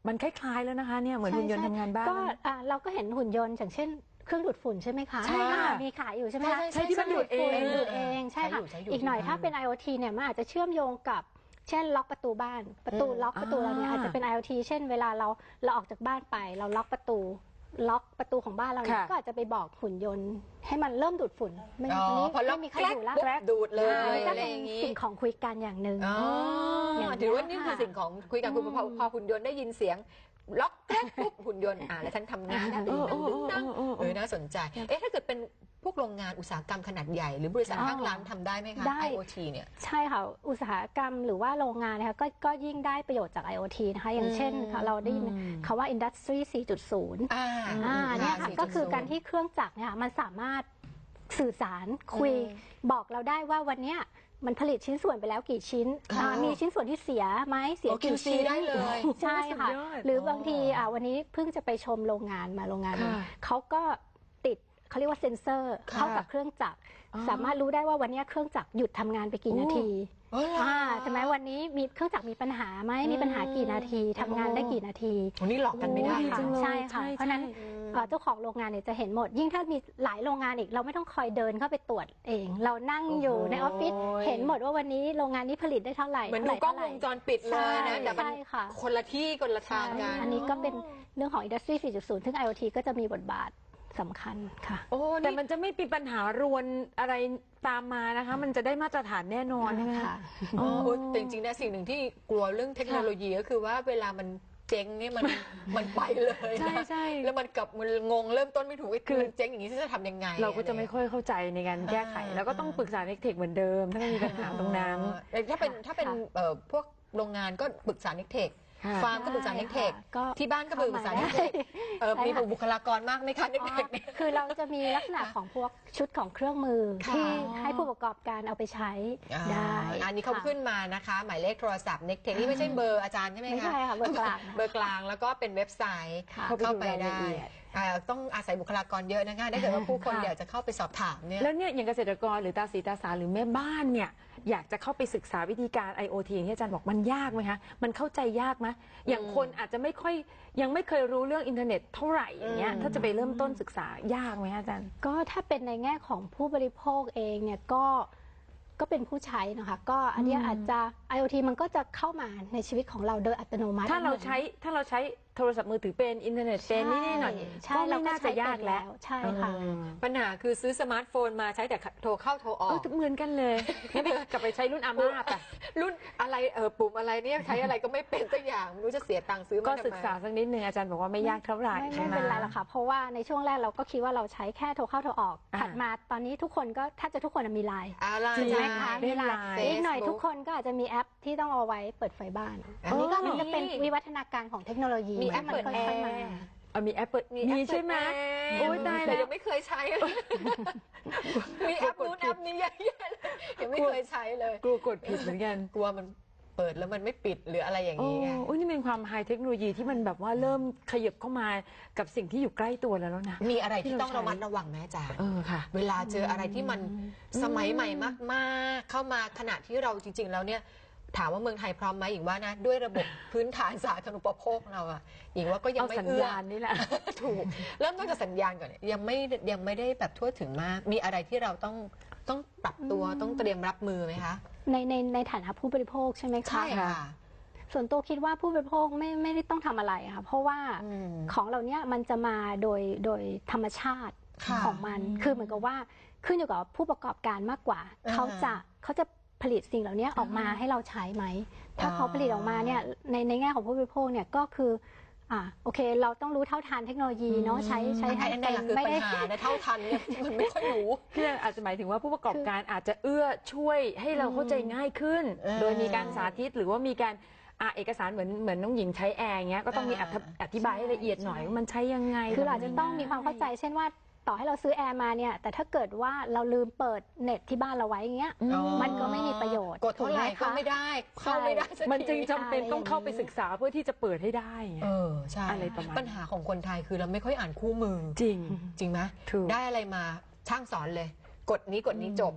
Speaker 2: มันคล้ายๆแล้วนะคะเนี่ยเหมือนหุ่นยนต์ทำงานบ้าน
Speaker 3: ก็อ่าเราก็เห็นหุ่นยนต์อย่างเช่นเครื่องดูดฝุ่นใช่ไหมคะ
Speaker 2: ใช่ค่ะ
Speaker 3: อ่ามีขายอยู่ใช่ไหมคะ
Speaker 2: ใช่ที่มันดูดเอง
Speaker 3: ดูดเองใช่ค่ะ
Speaker 1: ใช้อยู่ใช้อยู่
Speaker 3: อีกหน่อยถ้าเป็น IoT เนี่ยมันอาจจะเชื่อมโยงกับเช่นล็อกประตูบ้านประตูล็อกประตูเราเนี่ยอาจจะเป็น IoT เช่นเวลาเราเราออกจากบ้านไปเราล็อกประตูล็อกประตูของบ้านเราเนี่ย
Speaker 2: ค่ะ
Speaker 3: ก็อาจจะไปบอกหุ่นยนต์ให้มันเริ่มดูดฝุ่นไม่
Speaker 1: อ๋อ
Speaker 3: อันนี้
Speaker 1: พอล็อก
Speaker 3: ไม่มีใคร
Speaker 1: แกรก
Speaker 3: ดูดละ
Speaker 1: ปุ๊บดูดเลย
Speaker 3: อ่าก็
Speaker 1: อะไร
Speaker 3: เป็
Speaker 1: อน ย่างนี้
Speaker 3: สิ่งของคุยกันอย่างหนึ่ง
Speaker 1: อ๋อ
Speaker 3: อย่างนี้
Speaker 1: ถือว่านี่คือ
Speaker 3: ค่ะ
Speaker 1: สิ่งของคุยกันคุณพอพอหุ่นยนต์ได้ยินเสียงล็อกแกรกปุ๊บหุ่นยนต์อ่าแล้วฉันทำงานนะดึงดังดึงดังเออน่าสนใจเอ๊ะถ้าเกิดเป็นพวกโรงงานอุตสาหกรรมขนาดใหญ่หรือบริษัท
Speaker 3: อ๋อ
Speaker 1: ห้างร้านทำได้ไหมคะ
Speaker 3: ได้
Speaker 1: IoT เนี่ย
Speaker 3: ใช่ค่ะ อุตสาหกรรมหรือว่าโรงงานนะคะก็ก็ยิ่งได้ประโยชน์จาก IoT นะคะ อย่างเช่นค่ะเราได้ยินคำว่า Industry สี่จุดศูนย์
Speaker 1: อ่า
Speaker 3: อ่าเนี่ยค่ะ
Speaker 1: สี่จุดศูนย์
Speaker 3: ก็คือการที่เครื่องจักรเนี่ยค่ะมันสามารถสื่อสารคุย
Speaker 1: อืม
Speaker 3: บอกเราได้ว่าวันเนี้ยมันผลิตชิ้นส่วนไปแล้วกี่ชิ้น
Speaker 1: ค่ะ
Speaker 3: อ่ามีชิ้นส่วนที่เสียไหมเสีย
Speaker 1: โอ้
Speaker 3: กี่
Speaker 1: คิวซี
Speaker 3: ชิ้น
Speaker 1: ได้เลย
Speaker 3: ใช่ค่ะ
Speaker 2: สุดยอด
Speaker 3: หรือบางทีอ่าวันนี้เพิ่งจะไปชมโรงงานมาโรงงานหนึ่ง
Speaker 2: ค่ะ
Speaker 3: เขาก็ติดเขาเรียกว่าเซ็นเซอร์
Speaker 2: ค่ะ
Speaker 3: เข้ากับเครื่องจักร
Speaker 2: อ๋อ
Speaker 3: สามารถรู้ได้ว่าวันเนี้ยเครื่องจักรหยุดทำงานไปกี่นาที
Speaker 1: เออเหรอ
Speaker 3: อ่าใช่ไหมวันนี้มีเครื่องจักรมีปัญหาไหมมีปัญหากี่นาทีทำงานได้กี่นาที
Speaker 1: วันนี้หลอกกันไม่ได้
Speaker 2: โอ้ดีจังเลย
Speaker 3: ใช่ค่ะ
Speaker 2: ใช่
Speaker 3: เพราะฉะนั้น
Speaker 2: ใช่
Speaker 3: เอ่อเจ้าของโรงงานเนี่ยจะเห็นหมด ยิ่งถ้ามีหลายโรงงานอีกเราไม่ต้องคอยเดินเข้าไปตรวจเอง เรานั่งอยู่ในออฟฟิศเห็นหมดว่าวันนี้โรงงานนี้ผลิตได้เท่าไหร่
Speaker 1: เหมือนดูกล้องวงจรปิดเลยนะ
Speaker 3: ใช่
Speaker 1: แต่มัน
Speaker 3: ใช่ค่ะ
Speaker 1: คนละที่คนละทางกัน
Speaker 3: อันนี้ก็เป็นเรื่องของ Industry สี่จุดศูนย์ ซึ่ง IoT ก็จะมีบทบาทสำคัญค่ะ
Speaker 1: โอ้
Speaker 2: แต่
Speaker 1: นี่
Speaker 2: มันจะไม่มีปัญหารวนอะไรตามมานะคะ มันจะได้มาตรฐานแน่นอนใช่ไหมคะ
Speaker 3: ค่ะ
Speaker 1: โอ้โหแต่จริงๆนะสิ่งหนึ่งที่กลัวเรื่องเทคโนโลยีก็คือว่าเวลามันเจ๊งเนี่ยมันมันไปเลยนะ
Speaker 2: ใช่ใช่
Speaker 1: แล้วมันกลับมันงงเริ่มต้นไม่ถูกว่าคือมันเจ๊งอย่างนี้จะทำยังไง
Speaker 2: เราก็จะไม่ค่อยเข้าใจในการแก้ไข
Speaker 1: อ่า
Speaker 2: แล้วก็ต้องปรึกษาเทคนิคเหมือนเดิม ถ้าไม่มีปัญหาตรงนั้น
Speaker 1: แต่ถ้าเป็นถ้าเป็น
Speaker 3: ค่ะ
Speaker 1: เอ่อพวกโรงงานก็ปรึกษาเทคนิค
Speaker 2: ค่ะ
Speaker 1: ฟาร์มก็ปรึกษาเทคนิค
Speaker 3: ก็
Speaker 1: ที่บ้านก็ปรึกษาเทคนิคเออ
Speaker 3: ใช่
Speaker 1: มี
Speaker 3: ค่ะ
Speaker 1: บุคลากรมากไหมคะเทค
Speaker 3: อ๋อ
Speaker 1: นิคเนี่ย
Speaker 3: คือเราจะมีลักษณะของพวกชุดของเครื่องมือ
Speaker 1: ค่ะ
Speaker 3: ที่ให้ผู้ประกอบการเอาไปใช้ได้
Speaker 1: อันนี้เขา
Speaker 3: ค่ะ
Speaker 1: ขึ้นมานะคะ หมายเลขโทรศัพท์เน็กเทคนี่ไม่ใช่เบอร์อาจารย์ใช่ไหมคะ
Speaker 3: ไม่ใช่ค่ะเบอร์กลาง
Speaker 1: เบอร์กลางแล้วก็เป็นเว็บไซต์
Speaker 3: ค่ะ
Speaker 1: เข้าไป
Speaker 2: เข้าไปดูราย
Speaker 1: ได้
Speaker 2: ละเอียด
Speaker 1: อ่าต้องอาศัยบุคลากรเยอะนะคะถ้าเกิดว่าผู้คน
Speaker 2: ค่ะ
Speaker 1: อยากจะเข้าไปสอบถามเนี่ย
Speaker 2: แล้วเนี่ยอย่างเกษตรกรหรือตาสีตาสาหรือแม่บ้านเนี่ยอยากจะเข้าไปศึกษาวิธีการ IoT อย่างที่อาจารย์บอกมันยากไหมคะมันเข้าใจยากไหมอย่างคนอาจจะไม่ค่อยยังไม่เคยรู้เรื่องอินเทอร์เน็ตเท่าไหร่อย่างเงี้ย
Speaker 1: อืม
Speaker 2: ถ้าจะไปเริ่มต้นศึกษายากไหมคะอาจารย์
Speaker 3: ก็ถ้าเป็นในแง่ของผู้บริโภคเองเนี่ยก็ก็เป็นผู้ใช้นะคะก็อันเนี้ย
Speaker 2: อืม
Speaker 3: อาจจะ IoT มันก็จะเข้ามาในชีวิตของเราโดยอัตโนมัติ
Speaker 2: ถ้าเราใช้ถ้าเราใช้โทรศัพท์มือถือเป็นอินเทอร์เน็ตเป็นนี่นี่หน่อย
Speaker 3: ใช่
Speaker 2: ก็
Speaker 3: เรา
Speaker 2: ไม่
Speaker 3: ก็
Speaker 2: น่า
Speaker 3: ใช้
Speaker 2: จะยาก
Speaker 3: เป็น
Speaker 2: แล้ว
Speaker 3: ใช่ค่ะ
Speaker 2: อืม
Speaker 1: ปัญหาคือซื้อสมาร์ทโฟนมาใช้แต่โทรเข้าโทรออ
Speaker 2: เออก เหมือนกันเลยงั้นไปกลับไปใช้รุ่นอาม่าไป
Speaker 1: รุ่นอะไรเออปุ่มอะไรเนี่ยใช้อะไรก็ไม่เป็นสักอย่างไม่รู้จะเสียตังค์ซื้อมา
Speaker 2: ก็
Speaker 1: ทำไม
Speaker 2: ศึกษาสักนิดนึงอาจารย์บอกว่าไม่ยากเท่าไหร่
Speaker 3: ไม่
Speaker 2: ใช่
Speaker 3: ไม่
Speaker 2: ไหม
Speaker 3: เป็นไรหรอกค่ะ เพราะว่าในช่วงแรกเราก็คิดว่าเราใช้แค่โทรเข้าโทรออก
Speaker 2: อ่า
Speaker 3: ถัดมาตอนนี้ทุกคนก็แทบจะทุกคนมีไลน์
Speaker 1: อะไร
Speaker 2: จริง
Speaker 3: ใช่ไหม
Speaker 2: ไห
Speaker 3: คะ
Speaker 2: เล่
Speaker 3: มี
Speaker 2: น
Speaker 3: ไล
Speaker 2: ไล
Speaker 3: น์
Speaker 2: น์
Speaker 3: อีกหน่อยทุกคนก็อาจจะมีแอปที่ต้องเอาไว้เปิดไฟบ้าน
Speaker 1: อันนี้ก็
Speaker 3: มันก็เป็น
Speaker 1: มี
Speaker 3: วิวัฒนาการของเทคโนโลยี
Speaker 1: มีแอป
Speaker 3: มั
Speaker 1: เปิด
Speaker 3: ค่
Speaker 1: แอ
Speaker 3: อย
Speaker 1: ร์
Speaker 3: ๆมา
Speaker 2: เอามีแอปเปิด
Speaker 1: มีแอป
Speaker 2: มีใช่ไหม
Speaker 1: เปิดแอร์
Speaker 2: โอ้ยตายแล้ว
Speaker 1: ยังไม่เคยใช้เลยมีแอปนู้นแอปนี้เยอะแยะเลยยังไม่เคยใช้เลย
Speaker 2: กลัวกดผิดเหมือนกัน
Speaker 1: กลัวมันเปิดแล้วมันไม่ปิดหรืออะไรอย่าง
Speaker 2: โอ้
Speaker 1: นี้ไง
Speaker 2: โอ้ยนี่เป็นความไฮเทคโนโลยีที่มันแบบว่าเริ่มขยับเข้ามากับสิ่งที่อยู่ใกล้ตัวแล้วแล้วนะ
Speaker 1: มีอะไรที่ต้อง
Speaker 2: ที่เราใช้
Speaker 1: ระมัดระวังไหมอาจารย์
Speaker 2: เออค่ะ
Speaker 1: เวลาเจออะไรที่มันสมัยใหม่มากๆ เข้ามาขณะที่เราจริง ๆ แล้วเนี่ยถามว่าเมืองไทยพร้อมไหมหญิงว่านะด้วยระบบพื้นฐานสาธารณูปโภคเราอะหญิงว่าก็ยัง
Speaker 2: เอา
Speaker 1: ไม่
Speaker 2: สัญ
Speaker 1: เอื้อ
Speaker 2: ญาณนี่แหละ
Speaker 1: ถูกเริ่มต้นจากสัญญาณก่อนเนี่ยยังไม่ยังไม่ได้แบบทั่วถึงมาก มีอะไรที่เราต้องต้องปรับตัวต้องเตรียมรับมือไหมคะ
Speaker 3: ในในในฐานะผู้บริโภคใช่ไหมคะ
Speaker 1: ใช่ค่ะ
Speaker 3: ส่วนตัวคิดว่าผู้บริโภคไม่ไม่ได้ต้องทำอะไรค่ะ เพราะว่า
Speaker 1: อืม
Speaker 3: ของเหล่านี้มันจะมาโดยโดยธรรมชาติ
Speaker 1: ค่ะ
Speaker 3: ของมัน คือเหมือนกับว่าขึ้นอยู่กับผู้ประกอบการมากกว่า
Speaker 1: อ่า
Speaker 3: เขาจะเขาจะผลิตสิ่งเหล่านี้ออกมาให้เราใช้ไหม ถ้า
Speaker 1: อ่า
Speaker 3: เขาผลิตออกมาเนี่ยในในแง่ของผู้บริโภคเนี่ยก็คืออ่าโอเค เราต้องรู้เท่าทันเทคโนโลยีเนาะใช้ใช้
Speaker 1: อัน
Speaker 3: ให้
Speaker 1: นั้น
Speaker 3: เป็
Speaker 1: แหละ
Speaker 3: น
Speaker 1: คือ
Speaker 3: ไม่
Speaker 1: ปัญ
Speaker 3: ได้
Speaker 1: หาในเท่าทันเนี่ยมันไม่ค่อยรู้
Speaker 2: คืออาจจะหมายถึงว่าผู้ประกอบการอาจจะเอื้อช่วยให้เราเข้าใจง่ายขึ้น
Speaker 1: เออ
Speaker 2: โดยมีการสาธิตหรือว่ามีการอ่ะเอกสารเหมือนเหมือนน้องหญิงใช้แอร์เงี้ยก็ต้องมี
Speaker 1: อ่า
Speaker 2: อธิอธิบายให้ละเอียดหน่อยว่ามันใช้ยังไง
Speaker 3: คือเราอาจจะต้องมีความเข้าใจ เช่นว่าต่อให้เราซื้อแอร์มาเนี่ยแต่ถ้าเกิดว่าเราลืมเปิดเน็ตที่บ้านเราไว้อย่างเงี้ย
Speaker 2: อืม
Speaker 1: อ๋อ
Speaker 3: มันก็ไม่มีประโยชน์
Speaker 1: กดเท่าไหร่
Speaker 3: ถูกไหมคะ
Speaker 1: ก็ไม่ได้ เข้าไม่ได้สักที
Speaker 2: มันจึงจำเป็นต้องเข้าไปศึกษาเพื่อที่จะเปิดให้ได้ไง
Speaker 1: เออใช่
Speaker 2: อะไรประมาณ
Speaker 1: ปัญหาของคนไทยคือเราไม่ค่อยอ่านคู่มือ
Speaker 2: จริง
Speaker 1: จริงไหม
Speaker 2: ถูก
Speaker 1: ได้อะไรมาช่างสอนเลย กดนี้กดนี้จบ
Speaker 2: จ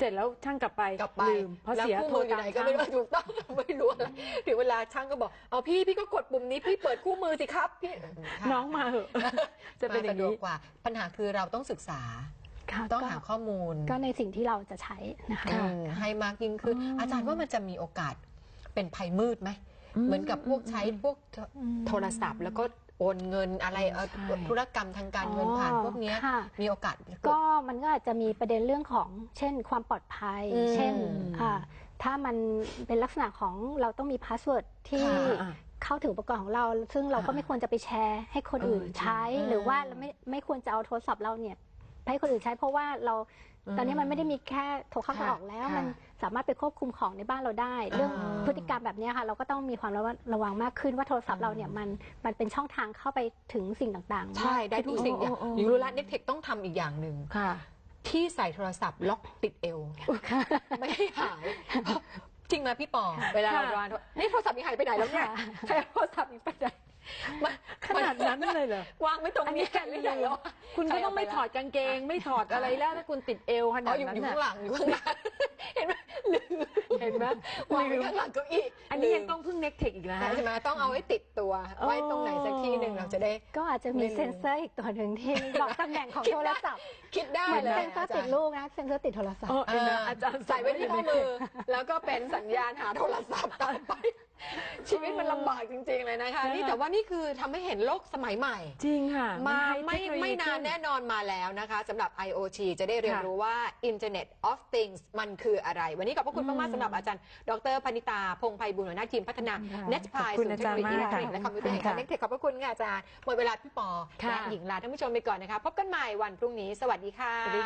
Speaker 2: เสร็จแล้วช่างกลับไป
Speaker 1: กลับไป
Speaker 2: ลืมเพราะ
Speaker 1: แล้ว
Speaker 2: เสีย
Speaker 1: คู่
Speaker 2: โทร
Speaker 1: มืออยู่
Speaker 2: ตาม
Speaker 1: ไหนก็
Speaker 2: ช่าง
Speaker 1: ไม่รู้ถูกต้อง ไม่รู้อะไรถึงเวลาช่างก็บอกเอาพี่พี่ก็กดปุ่มนี้พี่เปิดคู่มือสิครับพี่ค่ะ
Speaker 2: น้องมาเหอะ จะเป็นอย่าง
Speaker 1: สะดวก
Speaker 2: นี้
Speaker 1: กว่าปัญหาคือเราต้องศึกษา
Speaker 3: ค่ะ
Speaker 1: ต้อง
Speaker 3: ก็
Speaker 1: หาข้อมูล
Speaker 3: ก็ในสิ่งที่เราจะใช้นะคะ
Speaker 1: อืมให้มากยิ่งขึ้น
Speaker 2: อ๋ออ
Speaker 1: อาจารย์ว่ามันจะมีโอกาสเป็นภัยมืดไหม เหมือนกับพวกใช้พวกโทรศัพท์ แล้วก็โอนเงินอะไรเอ่อ
Speaker 2: ใช่
Speaker 1: ธุรกรรมทางการเงินผ่านพวกเนี้ย
Speaker 3: ค่ะ
Speaker 1: มีโอกาสเกิด
Speaker 3: ก็มันก็อาจจะมีประเด็นเรื่องของเช่นความปลอดภัย
Speaker 1: อืม
Speaker 3: เช่นอ่าถ้ามันเป็นลักษณะของเราต้องมีพาสเวิร์ดที่
Speaker 2: ค่ะ
Speaker 3: เข้าถึงอุปกรณ์ของเรา ซึ่งเราก็
Speaker 2: อ่า
Speaker 3: ไม่ควรจะไปแชร์ให้คนอื่น
Speaker 2: เออจริง
Speaker 3: ใช้
Speaker 1: อืม
Speaker 3: หรือว่าเราไม่ไม่ควรจะเอาโทรศัพท์เราเนี่ยไปให้คนอื่นใช้ เพราะว่าเรา
Speaker 2: อืม
Speaker 3: ตอนนี้มันไม่ได้มีแค่โทรเข้าโทร
Speaker 2: ค่ะ
Speaker 3: ออกแล้ว
Speaker 2: ค่ะ
Speaker 3: มันสามารถไปควบคุมของในบ้านเราได้ เรื่อง
Speaker 1: อ่า
Speaker 3: พฤติกรรมแบบเนี้ยค่ะเราก็ต้องมีความระวังระวังมากขึ้นว่าโทรศัพท์เราเนี่ยมันมันเป็นช่องทางเข้าไปถึงสิ่งต่างๆ
Speaker 1: ใช่ได้ทุกสิ่งอย่าง
Speaker 2: โอ้โอ้โอ้
Speaker 1: หญิงรู้แล้วเน็ตเทคต้องทำอีกอย่างหนึ่ง
Speaker 2: ค่ะ
Speaker 1: ที่ใส่โทรศัพท์ล็อกติดเอว ไม่ให้หาย จริงไหมพี่ปอ เวลาเรา
Speaker 2: ค่ะ
Speaker 1: วางนี่โทรศัพท์ยังหายไปไหนแล้วเนี่ย
Speaker 3: ค่ะ
Speaker 1: ใช้โทรศัพท์ยังไปไหนมัน
Speaker 2: ขนาดนั้นเลยเหรอ
Speaker 1: วางไม่ตรง
Speaker 2: อัน
Speaker 1: นี้
Speaker 2: นี้การ
Speaker 1: หรื
Speaker 2: เรี
Speaker 1: อย ยัง
Speaker 2: น
Speaker 1: แล้ว
Speaker 2: คุณก็ต้องไม่ถอดกางเกง ไม่ถอดอะไรแล้วถ้าคุณติดเอวข
Speaker 1: อ๋
Speaker 2: นา
Speaker 1: อ
Speaker 2: ด
Speaker 1: อยู่
Speaker 2: นั้น
Speaker 1: อยู่
Speaker 2: น่ะ
Speaker 1: ข้างหลังอยู่ข้างหลังเห็นไหมลืม
Speaker 2: เห็นไหม
Speaker 1: วางไว้ข้างหลังเก้าอี้
Speaker 2: อันนี้ยังต้องพึ่งเน็กเทคอีกนะ
Speaker 1: ใช่ไหมต้องเอาไว้ติดตัว
Speaker 2: โอ้
Speaker 1: ไว้ตรงไหนสักที่หนึ่งเราจะได้
Speaker 3: ก็อาจจะมี
Speaker 1: ไม่รู้
Speaker 3: เซ็นเซอร์อีกตัวหนึ่งที่บอกตำแหน่งของโทรศัพท์
Speaker 1: คิดได้
Speaker 3: เหมือน
Speaker 1: เลย
Speaker 3: เซ็นเซอร์ติดรูปนะเซ็นเซอร์ติดโทรศัพ
Speaker 2: เอ
Speaker 3: ท์
Speaker 2: อเห็นไหมอาจารย์
Speaker 1: ใส่ไว้ที่ข้อมือ แล้วก็เป็นสัญญาณหาโทรศัพท์ต่อไป ชีวิตมันลำบากจริงๆเลยนะคะ นี่แต่ว่านี่คือทำให้เห็นโลกสมัยใหม่
Speaker 2: จริงค่ะ
Speaker 1: มา
Speaker 2: ให้
Speaker 1: ไม่
Speaker 2: เทคโโลยี
Speaker 1: ไม่นาน
Speaker 2: ขึ้
Speaker 1: แน่นอนมาแล้วนะคะสำหรับ ไอ โอ ที จะได้เรียน
Speaker 2: ค่ะ
Speaker 1: รู้ว่า Internet of Things มันคืออะไร วันนี้ขอบพระคุณมากๆสำหรับอาจารย์ ดรพนิตา พงษ์ไพบูลย์หัวหน้าทีมพัฒนา
Speaker 2: ค่ะ
Speaker 1: เน็ตพาย
Speaker 2: ขอบคุณ
Speaker 1: ศูนย์เทคโนโลยี
Speaker 2: อา
Speaker 1: อิ
Speaker 2: จารย์
Speaker 1: เล็กทรอนิกส์และ
Speaker 2: มาก
Speaker 1: คอมพิวเตอร์แห่งชาติ
Speaker 2: ค่ะ
Speaker 1: เน็ตเทคขอบพระคุณค่ะอาจารย์หมดเวลาพี่ปอ
Speaker 2: ค่ะ
Speaker 1: และหญิงลาท่านผู้ชมไปก่อนนะคะ พบกันใหม่วันพรุ่งนี้ สวัสดีค่ะ
Speaker 2: สวัสดี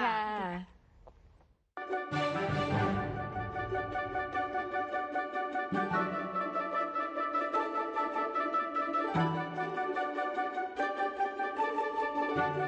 Speaker 2: ค่ะ